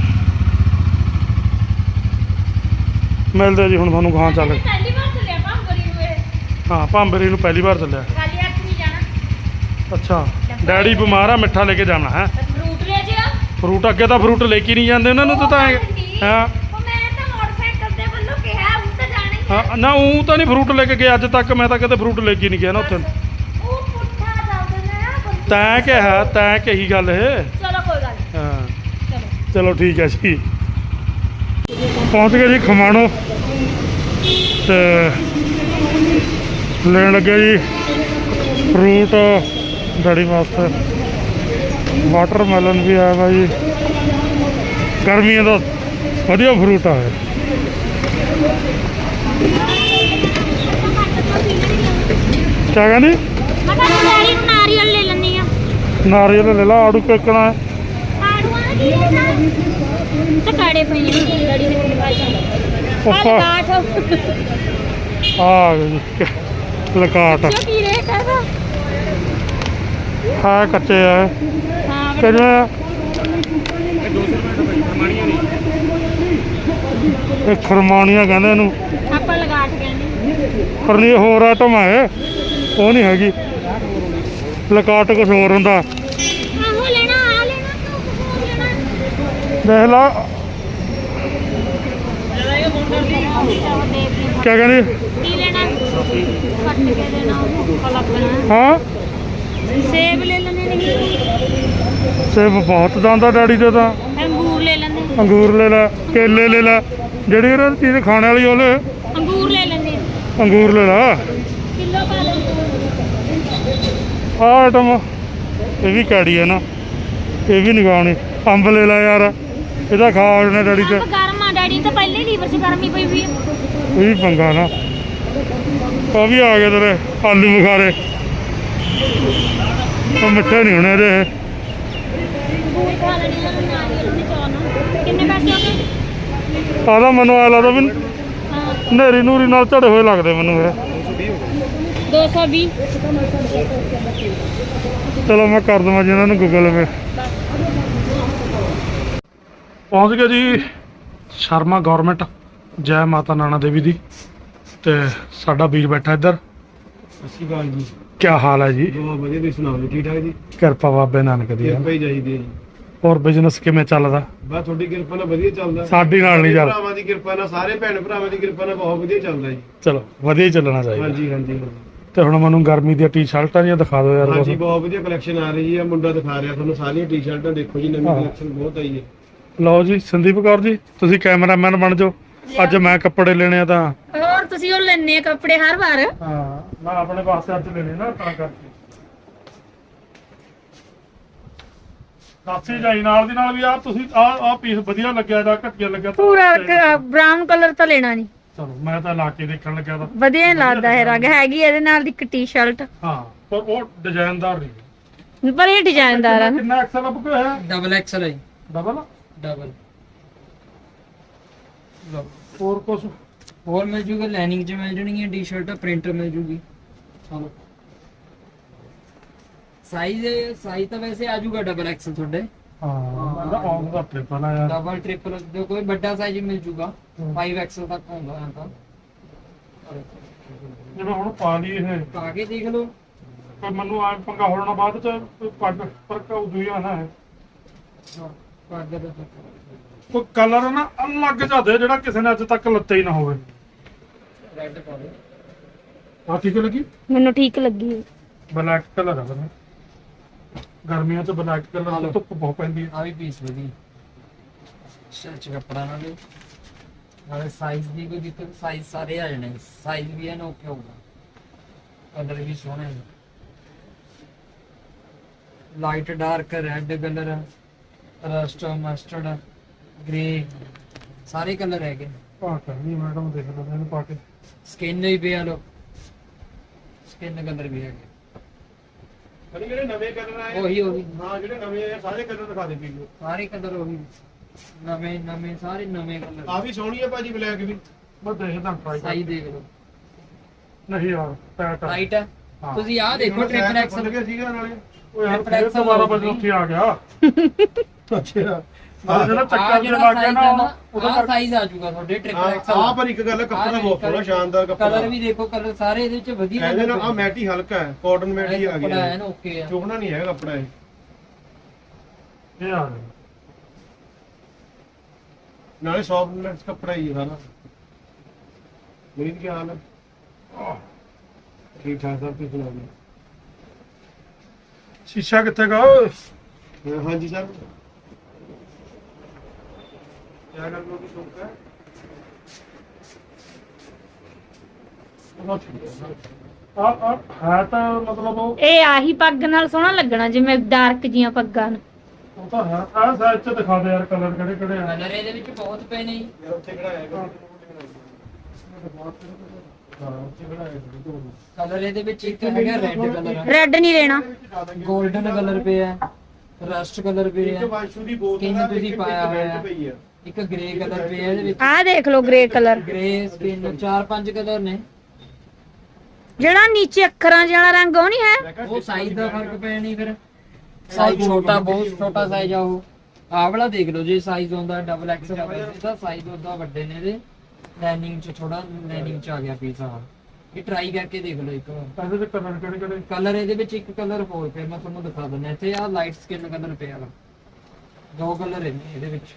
A: ਮਿਲਦੇ ਜੀ ਹੁਣ ਤੁਹਾਨੂੰ ਗਾਹਾਂ ਚੱਲ
B: ਪਹਿਲੀ ਵਾਰ ਚੱਲਿਆ ਭਾਂਬਰੀ ਨੂੰ ਇਹ
A: ਹਾਂ ਭਾਂਬਰੀ ਨੂੰ ਪਹਿਲੀ ਵਾਰ ਚੱਲਿਆ
B: ਖਾਲੀ ਹੱਥ ਨਹੀਂ ਜਾਣਾ
A: ਅੱਛਾ ਡੈਡੀ ਬਿਮਾਰ ਆ ਮਿੱਠਾ ਲੈ ਕੇ ਜਾਣਾ ਹੈ
B: ਬਸ ਫਰੂਟ ਲੈ ਜਿਆ
A: ਫਰੂਟ ਅੱਗੇ ਤਾਂ ਫਰੂਟ ਲੈ ਕੇ ਨਹੀਂ ਜਾਂਦੇ ਉਹਨਾਂ ਨੂੰ ਤਾਂ ਤਾਂ ਐਂ- ਹਾਂ
B: ਉਹ ਮੈਂ ਤਾਂ ਮੋਟਰਸਾਈਕਲ ਦੇ ਵੱਲੋਂ ਕਿਹਾ ਉਹ ਤਾਂ ਜਾਣਾ ਹੀ ਹੈ
A: ਹਾਂ ਨਾ ਉਹ ਤਾਂ ਨਹੀਂ ਫਰੂਟ ਲੈ ਕੇ ਗਿਆ ਅੱਜ ਤੱਕ ਮੈਂ ਤਾਂ ਕਦੇ ਫਰੂਟ ਲੈ ਕੇ ਨਹੀਂ ਗਿਆ ਨਾ ਉੱਥੇ
B: ਉਹ ਪੁੱਠਾ ਚੱਲਦੇ ਨੇ ਨਾ ਬੰਦੇ।
A: ਤੈਂ ਕਿਹਾ ਤੈਂ ਕਹੀ ਗੱਲ ਇਹ
B: ਚਲੋ ਕੋਈ ਗੱਲ ਨੀ,
A: ਹਾਂ
B: ਚਲੋ
A: ਚਲੋ ਠੀਕ ਹੈ ਜੀ ਪਹੁੰਚ ਗਏ ਜੀ ਖਮਾਣੋ ਤੇ ਲੈਣ ਲੱਗੇ ਜੀ ਫਰੂਟ ਡੈਡੀ ਵਾਸਤੇ ਵਾਟਰਮੈਲਨ ਵੀ ਆਇਆ ਵਾ ਜੀ ਗਰਮੀਆਂ ਦਾ ਵਧੀਆ ਫਰੂਟ ਆ ਇਹ ਕਿਆ ਕਹਿੰਦੀ
B: ਮੈਂ ਤਾਂ ਡੈਡੀ ਨੂੰ ਨਾਰੀਅਲ ਲੈ ਲੈਣੀ ਆ
A: ਨਾਰੀਅਲ ਲੈ ਲਾ ਆੜੂ ਕਿੱਕਣਾ
B: ਆੜੂਆਂ ਦੀ ਲੈਣਾ ਤੇ ਕਾੜੇ ਪਏ ਨੇ ਡੈਡੀ ਨੇ ਕਿਹਾ ਚੱਲ
A: ਉੱਪਰ
B: ਕਾਠ
A: ਆ ਗਏ ਜੀ ਲਕਾਟ
B: ਕੀ ਕੀ ਰੇਟ ਹੈ ਦਾ
A: ਹਾਂ ਕੱਚੇ ਆ
B: ਹਾਂ
A: ਕਿੰਨੇ ਆ? ਇਹ ਖਰਮਾਣੀਆਂ ਕਹਿੰਦੇ ਇਹਨੂੰ
B: ਆਪਾਂ ਲਗਾ ਕੇ ਕਹਿੰਦੇ
A: ਪਰ ਨਹੀਂ ਇਹ ਹੋਰ ਆਈਟਮ ਆ ਇਹ ਉਹ ਨਹੀਂ ਹੈਗੀ ਲਕਾਟ ਕੁਛ ਹੋਰ ਹੁੰਦਾ
B: ਆਹੋ ਲੈਣਾ ਆ ਲੈਣਾ ਤੂੰ ਕੁਝ ਲੈਣਾ
A: ਦੇਖ ਲਾ ਕਿਆ ਕਹਿੰਦੀ
B: ਕੀ ਲੈਣਾ ਕੱਟ ਕੇ ਦੇਣਾ ਉਹ ਲੱਗਣਾ
A: ਹਾਂ
B: ਸੇਬ ਲੈ ਲੈਣੇ ਨਹੀਂ
A: ਸੇਬ ਬਹੁਤ ਜਾਂਦਾ ਡੈਡੀ ਦੇ ਤਾਂ
B: ਅੰਗੂਰ ਲੈ ਲੈਣੇ
A: ਅੰਗੂਰ ਲੈ ਲੈ ਕੇਲੇ ਲੈ ਲੈ ਜਿਹੜੀ ਇਹਨਾਂ ਦੀ ਚੀਜ਼ ਖਾਣੇ ਵਾਲੀ ਉਹ ਲੈ
B: ਅੰਗੂਰ ਲੈ ਲੈਣੇ
A: ਅੰਗੂਰ ਲੈ ਲਾ
B: ਕਿਲੋ ਪਾ ਲੈ
A: ਆਹ ਆਈਟਮ ਇਹ ਵੀ ਕੈੜੀ ਹੈ ਨਾ ਇਹ ਵੀ ਨਿਗਾਉਣੀ ਅੰਬ ਲੈ ਲੈ ਯਾਰ ਇਹਦਾ ਖਾ ਉਹਨੇ ਡੈਡੀ ਤੇ
B: ਅੰਬ ਗਰਮ ਆ ਡੈਡੀ ਤਾਂ ਪਹਿਲੇ ਲੀਵਰ 'ਚ ਗਰਮੀ ਪਈ ਵੀ
A: ਇਹ ਵੀ ਪੰਗਾ ਨਾ। ਆ ਵੀ ਆ ਗਏ ਤੇਰੇ ਆਲੂ ਬੁਖਾਰੇ, ਉਹ ਮਿੱਠੇ ਨਹੀਂ ਹੋਣੇ ਇਹਦੇ।
B: ਖਾ ਲੈਣੀ ਆ ਨਾਰੀਅਲ ਦੇ ਚੌਲ ਨਾਲ। ਕਿੰਨੇ ਪੈਸੇ ਹੋ ਗਏ?
A: ਆਦਾ ਮੈਨੂੰ ਆ ਲੱਗਦਾ ਵੀ
B: ਹਾਂ
A: ਨੇਰੀ ਨੂਰੀ ਨਾਲ ਝੜੇ ਹੋਏ ਲੱਗਦੇ ਮੈਨੂੰ ਇਹ।
B: ਦੋ ਸੌ ਵੀਹ।
A: ਚਲੋ ਮੈਂ ਕਰ ਦਵਾਂ ਜੀ ਇਹਨਾਂ ਨੂੰ ਗੂਗਲ ਪੇ। ਪਹੁੰਚ ਗਏ ਜੀ ਸ਼ਰਮਾ ਗੌਰਮੈਂਟ, ਜੈ ਮਾਤਾ ਨਾਨਾ ਦੇਵੀ ਦੀ। ਤੇ ਸਾਡਾ ਵੀਰ ਬੈਠਾ ਇੱਧਰ।
C: ਸਤਿ ਸ਼੍ਰੀ ਅਕਾਲ ਜੀ।
A: ਕੀ ਹਾਲ ਹੈ ਜੀ?
C: ਬਹੁਤ ਵਧੀਆ, ਤੁਸੀਂ ਸੁਣਾਓ ਜੀ? ਠੀਕ ਠਾਕ ਜੀ?
A: ਕਿਰਪਾ ਬਾਬੇ ਨਾਨਕ ਦੀ।
C: ਕਿਰਪਾ ਹੀ ਚਾਹੀਦੀ ਹੈ ਜੀ।
A: ਹੋਰ ਬਿਜ਼ਨਸ ਕਿਵੇਂ ਚੱਲਦਾ?
C: ਬਸ ਤੁਹਾਡੀ ਕਿਰਪਾ ਨਾਲ ਵਧੀਆ ਚੱਲਦਾ।
A: ਸਾਡੀ ਨਾਲ ਨਹੀਂ ਚੱਲ।
C: ਭਰਾਵਾਂ ਦੀ ਕਿਰਪਾ ਨਾਲ, ਸਾਰੇ ਭੈਣ ਭਰਾਵਾਂ ਦੀ ਕਿਰਪਾ ਨਾਲ ਬਹੁਤ ਵਧੀਆ ਚੱਲਦਾ ਜੀ।
A: ਚਲੋ ਵਧੀਆ ਹੀ ਚੱਲਣਾ ਚਾਹੀਦਾ।
C: ਹਾਂਜੀ ਹਾਂਜੀ
A: ਤੇ ਹੁਣ ਮੈਨੂੰ ਗਰਮੀ ਦੀਆਂ ਟੀ-ਸ਼ਰਟਾਂ ਜਿਹੀਆਂ ਦਿਖਾ ਦਿਓ ਯਾਰ।
C: ਹਾਂਜੀ, ਬਹੁਤ ਵਧੀਆ ਕਲੈਕਸ਼ਨ ਆ ਰਹੀ ਹੈ। ਮੁੰਡਾ ਦਿਖਾ ਰਿਹਾ ਤੁਹਾਨੂੰ ਸਾਰੀਆਂ ਟੀ-ਸ਼ਰਟਾਂ, ਦੇਖੋ ਜੀ ਨਵੀਂ
A: ਹਾਂ।
C: ਕਲੈਕਸ਼ਨ ਬਹੁਤ ਆਈ ਹੈ।
A: ਲਓ ਜੀ ਸੰਦੀਪ ਕੌਰ ਜੀ, ਤੁਸੀਂ ਕੈਮਰਾਮੈਨ ਬਣ ਜਾਓ। ਅੱਜ ਮੈਂ ਕੱਪੜੇ ਲੈਣੇ ਆ ਤਾਂ।
B: ਹੋਰ ਤੁਸੀਂ ਉਹ ਲੈਣੇ ਕੱਪੜੇ ਹਰ ਵਾਰ।
A: ਹਾਂ ਮੈਂ ਆਪਣੇ ਵਾਸਤੇ ਅੱਜ ਲੈਣੇ ਨਾ, ਤਾਂ ਕਰਕੇ ਕਾਫੀ ਜਾਈ ਨਾਲ ਦੀ ਨਾਲ ਵੀ। ਆ ਤੁਸੀਂ ਆ ਆ ਪੀਸ ਵਧੀਆ ਲੱਗਿਆ ਜਾਂ ਘਟੀਆ ਲੱਗਿਆ ਤਾਂ
B: ਪੂਰਾ ਬ੍ਰਾਊਨ ਕਲਰ ਤਾਂ ਲੈਣਾ ਨਹੀਂ।
A: ਚਲੋ ਮੈਂ ਤਾਂ ਲਾ ਕੇ ਦੇਖਣ ਲੱਗਿਆ ਤਾਂ
B: ਵਧੀਆ ਲੱਗਦਾ ਹੈ ਰੰਗ। ਹੈਗੀ ਇਹਦੇ ਨਾਲ ਦੀ ਇੱਕ ਟੀ-ਸ਼ਰਟ,
A: ਹਾਂ, ਪਰ ਉਹ ਡਿਜ਼ਾਈਨਦਾਰ ਨਹੀਂ।
B: ਪਰ ਇਹ ਡਿਜ਼ਾਈਨਦਾਰ ਆ ਨਾ।
A: ਕਿੰਨਾ ਐਕਸਲ ਅਪ ਹੈ?
D: डबल एक्सल है
A: ਡਬਲ
D: डबल
A: ਹੋਰ ਕੁਛ?
D: और मिल जूगा लाइनिंग च मिल जानी है टी शर्ट प्रिंटर मिल जूगी
A: ਚਲੋ
D: साइज साइज तो वैसे आ जूगा डबल एक्सल थोड़े
A: ਹਾਂ ਮੈਂ ਤਾਂ ਆਉਂ ਦਾ ਟ੍ਰਿਪਲ ਆ ਯਾਰ।
D: डबल ट्रिपल जो कोई बड़ा साइज मिल जूगा
A: हम्म।
D: फाइव एक्सल तक होगा यहाँ का
A: ਜਿਵੇਂ ਹੁਣ ਪਾ ਲਈ ਇਹ,
D: आगे देख लो
A: ਪਰ ਮੈਨੂੰ ਆ ਪੰਗਾ ਹੋਣਾ ਬਾਅਦ ਚ ਕੋਈ ਪੱਗ ਪਰ ਕਉ ਆ ਨਾ ਹੈ।
D: हाँ, आगे देखो।
A: ਕੋਈ ਕਲਰ ਨਾ ਅਲੱਗ ਜਿਹਾ ਦੇ ਜਿਹੜਾ ਕਿਸੇ ਨੇ ਅੱਜ ਤੱਕ ਲੱਤੇ ਹੀ ਨਾ ਹੋਵੇ।
D: रेड पा दो
A: ਆ ਠੀਕ ਲੱਗੀ?
B: ਮੈਨੂੰ ਠੀਕ ਲੱਗੀ।
A: ਬਲੈਕ ਕਲਰ ਆ ਬਣਾ। ਗਰਮੀਆਂ ਚ ਬਲੈਕ ਕਲਰ
D: ਹਾਂ।
A: ਧੁੱਪ ਬਹੁਤ ਪੈਂਦੀ ਹੈ।
D: आ भी पीस वधी सच कपड़ा ना दे नाले साइज दी कोई दिक्कत साइज सारे आ जाने साइज भी है ना ओके होगा कलर भी सोहने light dark red colour rust mustard grey सारे कलर है
A: ਆ ਕਰਨੀ ਮੈਡਮ ਦੇਖ ਲੈਂਦੇ ਇਹਨੂੰ ਪਾ ਕੇ।
D: स्किन भी पे लो स्किन कलर भी है
C: ਪਰ ਜਿਹੜੇ ਨਵੇਂ ਕਲਰ ਆਏ
D: वही वही
C: ਹਾਂ, ਜਿਹੜੇ ਨਵੇਂ ਆਏ ਸਾਰੇ ਕਲਰ ਦਿਖਾ ਦੇ ਪੀਓ।
D: सारे कलर वही नवे नवे सारे नवे कलर
C: ਆ ਵੀ ਸੋਹਣੀ ਹੈ ਭਾਜੀ, ਬਲੈਕ ਵੀ।
A: ਮੈਂ ਦੇਖਦਾ ਟਰਾਈ
D: साइज देख लो
A: ਨਹੀਂ ਯਾਰ ਟੈਟ ਆ।
D: राइट है
A: हाँ।
D: ਤੁਸੀਂ ਆ ਦੇਖੋ ਟ੍ਰਿਪਲ ਐਕਸਲ
C: ਲੱਗਿਆ ਸੀਗਾ ਨਾਲੇ।
A: ਉਹ ਯਾਰ
D: triple
A: ਫਿਰ
D: XL
A: ਦੁਬਾਰਾ
D: ਹੋ
A: ਬਸ
D: ਗਈ।
A: ਉੱਥੇ ਆ ਗਿਆ।
C: ਅੱਛਾ,
A: ਆ ਜਿਹੜਾ
D: ਆ
A: ਚੱਕਰ ਜਿਹਾ
D: ਜਿਹੜਾ
A: ਲੱਗ ਗਿਆ
D: ਸਾਈਜ਼
A: ਨਾ
D: ਹੈ ਨਾ
A: ਉਹਦਾ
D: ਆ
A: ਕਰਕੇ
D: ਸਾਈਜ਼ ਆ ਜਾਊਗਾ ਤੁਹਾਡੇ ਟ੍ਰਿਪਲ
C: ਆ
D: ਐਕਸਲ
C: ਪਰ ਇੱਕ ਗੱਲ ਹੈ, ਕੱਪੜਾ ਬਹੁਤ ਸੋਹਣਾ ਸ਼ਾਨਦਾਰ ਕੱਪੜਾ।
D: ਕਲਰ ਵੀ ਦੇਖੋ ਕਲਰ ਸਾਰੇ ਇਹਦੇ ਵਿੱਚ ਵਧੀਆ
C: ਇਹਦੇ ਨਾਲ ਆ ਮੈਟੀ ਹਲਕਾ ਹੈ, ਕਾਟਨ ਮੈਟੀ ਆ
D: ਕੱਪੜਾ ਹੈ
C: ਗਿਆ।
D: ਨਾ ਓਕੇ ਆ
C: ਚੁਗਣਾ ਨਹੀਂ ਹੈਗਾ ਕੱਪੜਾ ਇਹ।
A: ਇਹ ਆ ਗਿਆ।
C: ਨਾਲੇ ਸੌਫਟਨੈਸ ਕੱਪੜਾ ਹੀ ਹੈ ਸਾਰਾ। ਮੇਰੀ ਕੀ ਹਾਲ ਹੈ? ਠੀਕ ਠਾਕ ਸਭ ਕੁਝ ਸੁਣਾ ਦਿਓ।
A: ਸ਼ੀਸ਼ਾ ਕਿੱਥੇ ਗਾ?
C: ਹਾਂ, ਹਾਂਜੀ ਸਰ। क्या कर लो शौक है?
A: ਆ ਆ ਹੈ ਤਾਂ ਮਤਲਬ ਉਹ
B: ਇਹ ਆਹੀ ਪੱਗ ਨਾਲ ਸੋਹਣਾ ਲੱਗਣਾ ਜਿਵੇਂ ਡਾਰਕ ਜੀਆਂ ਪੱਗਾਂ ਨੂੰ।
A: ਉਹ ਤਾਂ ਹੈ। ਆ ਸਾਈਜ਼ ਚ ਦਿਖਾ ਦੇ ਯਾਰ ਕਲਰ ਕਿਹੜੇ ਕਿਹੜੇ ਆ।
D: ਕਲਰ ਇਹਦੇ ਵਿੱਚ ਬਹੁਤ ਪਏ ਨੇ ਜੀ।
C: यार ਉੱਥੇ ਕਿਹੜਾ ਆਏਗਾ?
A: ਹਾਂ ਉੱਥੇ ਕਿਹੜਾ ਹੈ?
D: ਕਲਰ ਇਹਦੇ ਵਿੱਚ ਇੱਕ ਹੈਗਾ ਰੈੱਡ ਕਲਰ
B: ਰੈੱਡ ਨਹੀਂ ਲੈਣਾ।
D: 골ਡਨ ਕਲਰ ਪਿਆ ਰਸਟ ਕਲਰ ਪਿਆ
C: ਇੱਕ ਵਾਸ਼ੂ ਦੀ ਬੋਤਲ
D: Skin
C: ਹੈ,
D: ਤੁਸੀਂ
C: ਇੱਕ
D: ਪਾਇਆ
C: ਵਿੱਚ
D: ਹੋਇਆ।
C: ਪਈ ਹੈ।
D: ਇੱਕ ਗ੍ਰੇ ਕਲਰ ਪਿਆ ਇਹਦੇ ਵਿੱਚ
B: ਆਹ ਦੇਖ ਲਓ ਗ੍ਰੇ ਕਲਰ,
D: ਗ੍ਰੇ ਸਕਿਨ ਚਾਰ ਪੰਜ ਕਲਰ ਨੇ
B: ਜਿਹੜਾ ਨੀਚੇ ਅੱਖਰਾਂ ਜਿਹੜਾ ਰੰਗ ਉਹ ਨਹੀਂ ਹੈ।
D: ਉਹ ਸਾਈਜ਼ ਦਾ ਫਰਕ ਪਿਆ ਨਹੀਂ ਫਿਰ ਸਾਈਜ਼ ਛੋਟਾ ਬਹੁਤ ਛੋਟਾ ਸਾਈਜ਼ ਆ ਉਹ ਆਹ ਵਾਲਾ ਦੇਖ ਲਓ ਜੇ ਸਾਈਜ਼ ਹੁੰਦਾ ਡਬਲ ਐਕਸਲ ਇਹਦਾ ਸਾਈਜ਼ ਉਹਦਾ ਵੱਡੇ ਨੇ ਇਹਦੇ ਲਾਈਨਿੰਗ ਚ ਥੋੜਾ ਲਾਈਨਿੰਗ ਚ ਆ ਗਿਆ ਪੀਸ ਆ ਇਹ ਟਰਾਈ ਕਰਕੇ ਦੇਖ ਲਓ ਇੱਕ ਵਾਰ
A: ਇਹਦੇ ਚ ਕਲਰ ਕਿਹੜੇ ਕਿਹੜੇ?
D: ਕਲਰ ਇਹਦੇ ਵਿੱਚ ਇੱਕ ਕਲਰ ਹੋਰ ਪਿਆ ਮੈਂ ਤੁਹਾਨੂੰ ਦਿਖਾ ਦਿੰਦਾ ਇੱਥੇ ਆ ਲਾਈਟ ਸਕਿਨ ਕਲਰ ਪਿਆ ਵਾ ਦੋ ਕਲਰ ਨੇ ਇਹਦੇ ਵਿੱਚ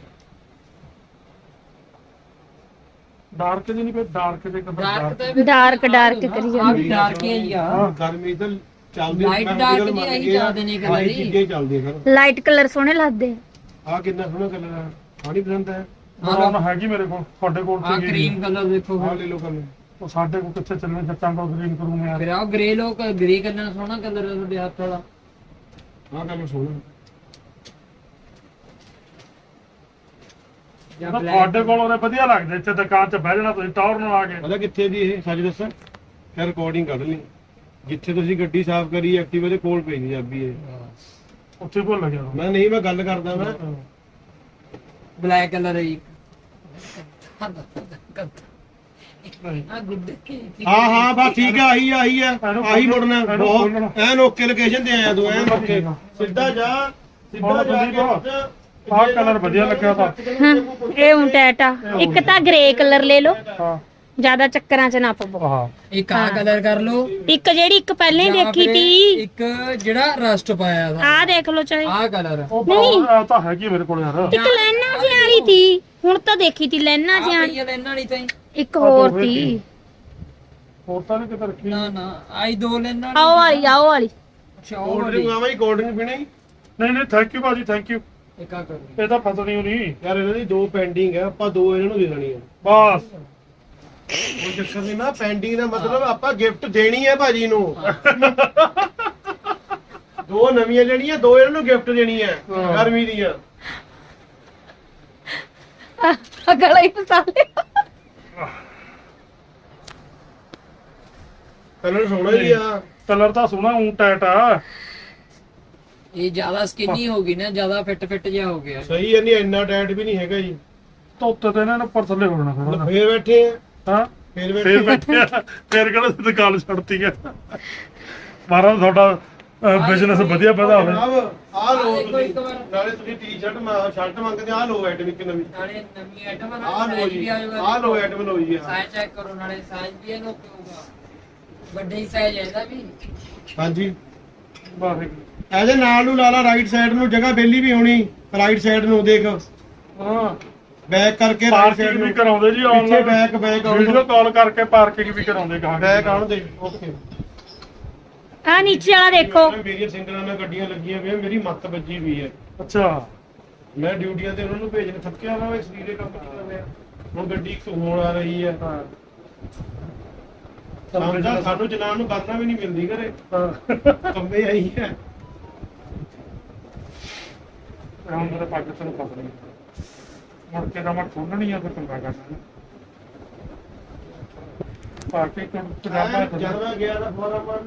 A: ਡਾਰਕ ਜੀ ਨਹੀਂ ਪਏ, ਡਾਰਕ ਦੇ ਕਲਰ
D: ਡਾਰਕ ਤਾਂ
B: ਡਾਰਕ ਡਾਰਕ ਕਰੀ
D: ਆ
B: ਜਾਂਦੀ।
D: ਵੀ ਡਾਰਕ ਹੀ ਆ ਜੀ ਆ
C: ਹਾਂ, ਗਰਮੀ ਤਾਂ ਚੱਲਦੀ
D: Light dark ਦੀ ਇਹੀ ਚੱਲਦੇ ਨੇ colour ਹੀ।
C: ਚੀਜ਼ਾਂ ਹੀ ਚੱਲਦੀਆਂ ਸਰ।
B: ਲਾਈਟ ਕਲਰ ਸੋਹਣੇ ਲੱਗਦੇ।
C: ਆ ਕਿੰਨਾ ਸੋਹਣਾ ਕਲਰ ਹੈ, ਆਣੀ ਪਸੰਦ ਹੈ।
A: ਬਰਾਉਨ ਹੈਗੀ ਮੇਰੇ ਕੋਲ, ਤੁਹਾਡੇ ਕੋਲ
D: ਆ
A: ਸੀਗੀ।
D: ਕਰੀਮ ਕਲਰ ਦੇਖੋ
C: ਆ ਲੈ ਲਓ ਕਲਰ।
A: ਉਹ ਸਾਡੇ ਕੋਲ ਕਿੱਥੇ ਚੱਲਣੇ ਜੱਟਾਂ ਕੋਲ ਗ੍ਰੀਨ ਕਰੂੰਗੇ ਯਾਰ।
D: ਫਿਰ ਆ ਗ੍ਰੇ ਲੋਕ ਗ੍ਰੇ ਕਲਰ ਸੋਹਣਾ ਕਲਰ ਹੈ ਤੁਹਾਡੇ ਹੱਥ ਵਾਲਾ
C: ਆ ਕਲਰ ਸੋਹਣਾ।
D: ਜਾਂ
A: ਤਾਂ
D: black
A: ਤੁਹਾਡੇ ਕੋਲ ਉਹਨੇ ਵਧੀਆ ਲੱਗਦੇ ਇੱਥੇ ਦੁਕਾਨ 'ਚ ਬਹਿ ਜਾਣਾ ਤੁਸੀਂ ਟੌਰ ਨਾਲ ਆ ਕੇ।
C: ਪਤਾ ਕਿੱਥੇ ਦੀ ਇਹ ਸੱਚ ਦੱਸਾਂ ਫਿਰ ਰਿਕਾਰਡਿੰਗ ਕੱਢ ਲਈ ਜਿੱਥੇ ਤੁਸੀਂ ਗੱਡੀ ਸਾਫ਼ ਕਰੀ ਐਕਟਿਵਾ ਦੇ ਕੋਲ ਪਈ ਸੀ ਚਾਬੀ ਇਹ
A: ਉੱਥੇ ਭੁੱਲ ਗਿਆ ਤੂੰ।
C: ਮੈਂ ਨਹੀਂ ਮੈਂ ਗੱਲ ਕਰਦਾ ਮੈਂ
D: ਬਲੈਕ ਕਲਰ ਹੈ ਜੀ
A: ਨਹੀਂ
D: ਆ ਗੁੱਡ
C: ਹਾਂ ਹਾਂ ਬਸ ਠੀਕ ਆ ਆਹੀ ਆਹੀ ਆ ਆਹੀ ਮੁੜਨਾ ਬਹੁਤ ਐਨ ਓਕੇ ਲੋਕੇਸ਼ਨ ਤੇ ਆਇਆ ਤੂੰ ਐਨ ਓਕੇ ਸਿੱਧਾ ਜਾ ਸਿੱਧਾ ਜਾ ਕੇ
A: ਆਹ ਕਲਰ ਵਧੀਆ ਲੱਗਿਆ ਤਾਂ।
B: ਹਾਂ ਇਹ ਹੁਣ ਟੈਟ ਆ ਇੱਕ ਤਾਂ ਗ੍ਰੇ ਕਲਰ ਲੈ ਲਓ
A: ਹਾਂ
B: ਜਿਆਦਾ ਚੱਕਰਾਂ 'ਚ ਨਾ ਪਵੋ
A: ਹਾਂ
D: ਇੱਕ ਆ ਕਲਰ ਕਰ ਲਓ
B: ਇੱਕ ਜਿਹੜੀ ਇੱਕ ਪਹਿਲਾਂ ਹੀ
D: ਜਾਂ
B: ਦੇਖੀ
D: ਫਿਰ
B: ਤੀ
D: ਇੱਕ ਜਿਹੜਾ ਰਸਟ ਪਾਇਆ ਥਾ
B: ਆਹ ਦੇਖ ਲਓ ਚਾਹੇ
D: ਆ ਕਲਰ
A: ਉਹ ਤਾਂ ਤਾਂ ਹੈਗੀ ਮੇਰੇ ਕੋਲ ਯਾਰ।
B: ਇੱਕ ਲੈਣਾ ਜੀ ਵਾਲੀ ਤੀ ਹੁਣ ਤਾਂ ਦੇਖੀ ਤੀ ਲੈਣਾ ਜੀ ਵਾਲੀ।
D: ਪਈਆ ਲੈਣਾ ਨਹੀਂ ਤਾਂ
B: ਇੱਕ ਹੋਰ ਤੀ
A: ਹੋਰ ਤਾਂ ਨਹੀਂ ਕਿਤੇ ਰੱਖੀ।
D: ਨਾ ਨਾ ਆਈ ਦੋ ਲੈਣਾ
B: ਆਓ ਵਾਲੀ ਆਓ ਵਾਲੀ
D: ਅੱਛਾ ਉਹ
C: ਕੋਲਡ
D: ਵਾਲੀ
C: ਡਰਿੰਕ ਆਵਾਂ ਜੀ ਕੋਲਡ ਡਰਿੰਕ ਪੀਣੀ
A: ਨਹੀਂ ਨਹੀਂ ਥੈਂਕ ਯੂ ਭਾਜੀ ਥੈਂਕ ਯੂ।
D: ਇੱਕ ਆ ਕਰ
A: ਇਹ ਤਾਂ ਫਸਣੀ ਓ ਨਹੀਂ
C: ਯਾਰ ਇਹਨਾਂ ਦੀ ਦੋ ਪੈਂਡਿੰਗ ਹੈ ਆਪਾਂ ਦੋ ਇਹਨਾਂ ਨੂੰ ਦੇ ਦੇਣੀ ਹੈ
A: ਬਸ।
C: ਉਹ ਚੱਕਰ ਨਹੀਂ ਨਾ ਪੈਂਡਿੰਗ ਦਾ ਮਤਲਬ ਆਪਾਂ ਗਿਫਟ ਦੇਣੀ ਹੈ ਭਾਜੀ ਨੂੰ ਦੋ ਨਵੀਆਂ ਲੈਣੀਆਂ ਦੋ ਇਹਨਾਂ ਨੂੰ ਗਿਫਟ ਦੇਣੀ ਹੈ
A: ਹਾਂ।
C: ਗਰਮੀ ਦੀਆਂ
B: ਗਲਾ ਹੀ ਫਸਾ ਲਿਆ
C: ਕਲਰ ਸੋਹਣਾ ਹੀ ਆ
A: ਕਲਰ ਤਾਂ ਸੋਹਣਾ ਊਂ ਟੈਟ ਆ।
D: ਇਹ ਜ਼ਿਆਦਾ ਸਕਿਨੀ ਹੋ ਗਈ ਨਾ ਜ਼ਿਆਦਾ ਫਿੱਟ ਫਿੱਟ ਜਿਹਾ ਹੋ ਗਿਆ
C: ਸਹੀ ਹੈ ਨਹੀਂ ਇੰਨਾ ਟਾਈਟ ਵੀ ਨਹੀਂ ਹੈਗਾ ਜੀ
A: ਧੋਤੇ ਤੇ ਇਹਨਾਂ ਨੇ ਉੱਪਰ ਥੱਲੇ ਹੋ ਜਾਣਾ ਫਿਰ।
C: ਫੇਰ ਬੈਠੇ ਆ
A: ਹਾਂ
C: ਫੇਰ
A: ਫੇਰ
C: ਬੈਠੇ
A: ਬੈਠੇ ਆ, ਫੇਰ ਕਿਹੜਾ ਦੁਕਾਨ ਛੱਡਤੀ ਹੈ। ਮਹਾਰਾਜ ਤੁਹਾਡਾ ਬਿਜ਼ਨਸ ਵਧੀਆ ਵਧਾ ਹੋਵੇ।
C: ਜਨਾਬ ਆ ਲੋ
D: ਦੇਖੋ ਇੱਕ
C: ਤੁਸੀਂ
D: ਵਾਰ।
C: ਨਾਲੇ ਤੁਸੀਂ ਟੀ-ਸ਼ਰਟ ਸ਼ਰਟ ਮੰਗਦੇ ਆ ਲੋ ਆਈਟਮ ਇੱਕ ਨਵੀਂ
D: ਨਾਲੇ ਨਵੀਂ ਆਈਟਮ
C: ਆ ਲੋ ਜੀ ਆ ਲੋ ਆਈਟਮ ਲੋ ਜੀ
D: ਸਾਈਜ਼ ਚੈੱਕ ਕਰੋ ਨਾਲੇ ਸਾਈਜ਼ ਵੀ ਇਹਨੂੰ ਹੋਊਗਾ ਵੱਡੇ ਹੀ ਸਾਈਜ਼ ਹੈ ਇਹਦਾ ਵੀ
C: ਹਾਂਜੀ
A: ਵਾਹਿਗੁਰੂ।
C: ਇਹਦੇ ਨਾਲ ਨੂੰ ਲਾ ਲਾ ਰਾਈਟ ਸਾਈਡ ਨੂੰ ਜਗ੍ਹਾ ਬੇਲੀ ਵੀ ਹੋਣੀ ਰਾਈਟ ਸਾਈਡ ਨੂੰ ਦੇਖ
A: ਹਾਂ
C: ਬੈਕ ਕਰਕੇ ਰਾਈਟ ਸਾਈਡ
A: ਪਾਰਕਿੰਗ ਵੀ
C: ਨੂੰ
A: ਕਰਾਉਂਦੇ ਜੀ
C: ਪਿੱਛੇ
A: online
C: back back
A: video call ਕਰਕੇ ਪਾਰਕਿੰਗ ਵੀ ਕਰਾਉਂਦੇ ਗਾਹਕ।
C: ਬੈਕ ਆਉਣ ਦੇ ਓਕੇ
B: ਆ ਨੀਚੇ ਵਾਲਾ ਦੇਖੋ
C: ਮੇਰੀਆਂ ਸਿੰਗਲਾਂ ਨਾਲ ਗੱਡੀਆਂ ਲੱਗੀਆਂ ਹੋਈਆਂ ਮੇਰੀ ਮੱਤ ਵੱਜੀ ਵੀ ਹੈ
A: ਅੱਛਾ
C: ਮੈਂ ਡਿਊਟੀਆਂ ਤੇ ਉਹਨਾਂ ਨੂੰ ਭੇਜਣ ਥੱਕਿਆ ਵਾ ਇਸ ਲੀੜੇ ਕੰਮ ਕਰ ਰਿਹਾ ਹੁਣ ਗੱਡੀ ਇੱਕ ਹੋਣ ਆ ਰਹੀ ਹੈ
A: ਹਾਂ
C: ਸਮਝਾ ਸਾਨੂੰ ਜਨਾਨ ਨੂੰ ਕਰਨਾ ਵੀ ਨਹੀਂ ਮਿਲਦੀ ਘਰੇ
A: ਹਾਂ।
C: ਕੰਮੇ ਆਈ ਹੈ
A: ਹੁਣ ਮੇਰੇ ਪੱਗ ਤੈਨੂੰ ਫਸਣੀ ਮੁੜ ਕੇ ਤਾਂ ਮੈਂ ਖੋਲਣੀ ਆ ਫਿਰ ਚੰਗਾ ਕਰਨਾ ਪਾਰਕਿੰਗ ਤੋਂ ਪਜਾਮਾ
C: ਜਦ ਮੈਂ ਗਿਆ ਤਾਂ ਫੋਰਮ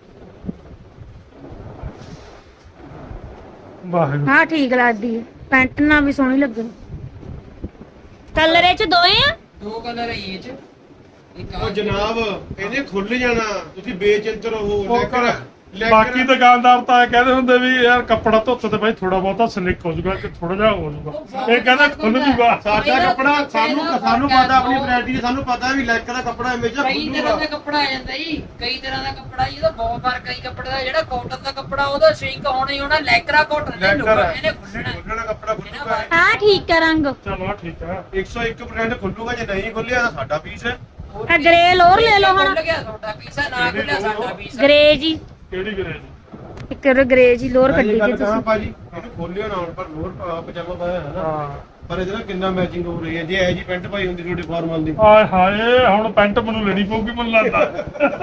A: ਵਾਹਿਗੁਰੂ।
B: ਹਾਂ ਠੀਕ ਲੱਗਦੀ ਹੈ ਪੈਂਟ ਨਾਲ ਵੀ ਸੋਹਣੀ ਲੱਗਣੀ ਕਲਰ ਇਹ ਚ ਦੋਏ ਆ
D: ਦੋ ਕਲਰ ਹੈ ਇਹ ਚ ਇੱਕ ਆ
C: ਉਹ ਜਨਾਬ ਇਹਨੇ ਖੁੱਲ ਜਾਣਾ ਤੁਸੀਂ ਬੇਚਿੰਤ ਰਹੋ
A: ਉਹ
C: ਲੈਕਰ
A: ਬਾਕੀ ਦੁਕਾਨਦਾਰ ਤਾਂ ਇਹ ਕਹਿੰਦੇ ਹੁੰਦੇ ਵੀ ਯਾਰ ਕੱਪੜਾ ਧੋਤੇ ਤੇ ਬਾਈ ਥੋੜਾ ਬਹੁਤਾ ਸਲਿਕ ਹੋ ਜਾਊਗਾ ਕਿ ਥੋੜਾ ਜਿਹਾ ਹੋ ਜਾਊਗਾ ਇਹ ਕਹਿੰਦਾ ਖੁੱਲ ਜੂਗਾ।
C: ਸਾਡਾ ਕੱਪੜਾ ਸਾਨੂੰ ਸਾਨੂੰ ਪਤਾ ਆਪਣੀ ਵੈਰਾਈਟੀ ਦੀ ਸਾਨੂੰ ਪਤਾ ਵੀ ਲੈਕਰ ਦਾ ਕੱਪੜਾ ਹਮੇਸ਼ਾ
D: ਕਈ ਤਰ੍ਹਾਂ ਦਾ ਕੱਪੜਾ ਆ ਜਾਂਦਾ ਜੀ ਕਈ ਤਰ੍ਹਾਂ ਦਾ ਕੱਪੜਾ ਜੀ ਉਹਦਾ ਬਹੁਤ ਫਰਕ ਹੈ ਜੀ ਕੱਪੜੇ ਦਾ ਜਿਹੜਾ ਕਾਟਨ ਦਾ ਕੱਪੜਾ ਉਹਦਾ ਸ਼ਿੰਕ ਹੋਣਾ ਹੀ ਹੋਣਾ ਲੈਕਰਾ ਕਾਟਨ ਨੇ ਲੁੱਕ ਇਹਨੇ ਖੁੱਲਣਾ
C: ਖੁੱਲਣਾ ਕੱਪੜਾ ਖੁੱਲੂਗਾ
B: ਹਾਂ ਠੀਕ ਆ ਰੰਗ
A: ਚਲੋ ਠੀਕ ਆ।
C: ਇੱਕ ਸੌ ਇੱਕ ਪਰਸੈਂਟ ਖੁੱਲੂਗਾ ਜੇ ਨਹੀਂ ਖੁੱਲਿਆ ਤਾਂ ਸਾਡਾ ਪੀਸ ਹੈ
B: ਆ ਗ੍ਰੇ ਲੋਰ ਲੈ ਲਓ ਹੁਣ
D: ਖੁੱਲ ਗਿਆ ਤੁਹਾਡਾ ਪੀਸ ਹੈ ਨਾ ਖੁੱਲਿਆ ਸਾਡਾ ਪੀਸ ਹੈ
B: ਗ੍ਰੇ ਜੀ
A: ਕਿਹੜੀ ਗਰੇਜ?
B: ਇੱਕ ਗ੍ਰੇ ਜੀ ਲੋਰ
C: ਮੈਂ
B: ਕੱਢੀ
C: ਇਹ
B: ਜੀ
C: ਗੱਲ ਕਹਾਂ
B: ਤੁਸੀਂ
C: ਭਾਜੀ ਇਹਨੂੰ ਖੋਲਿਓ ਨਾ ਹੁਣ ਪਰ ਲੋਰ ਪਜਾਮਾ ਪਾਇਆ ਹੈ ਨਾ
A: ਹਾਂ
C: ਪਰ ਇਹਦੇ ਨਾਲ ਕਿੰਨਾ ਮੈਚਿੰਗ ਹੋ ਰਹੀ ਹੈ ਜੇ ਇਹ ਜੀ ਪੈਂਟ ਪਾਈ ਹੁੰਦੀ ਤੁਹਾਡੀ ਫਾਰਮਲ ਦੀ
A: ਆਏ ਹਾਏ ਹੁਣ ਪੈਂਟ ਮੈਨੂੰ ਲੈਣੀ ਪਊਗੀ ਮੈਨੂੰ ਲੱਗਦਾ।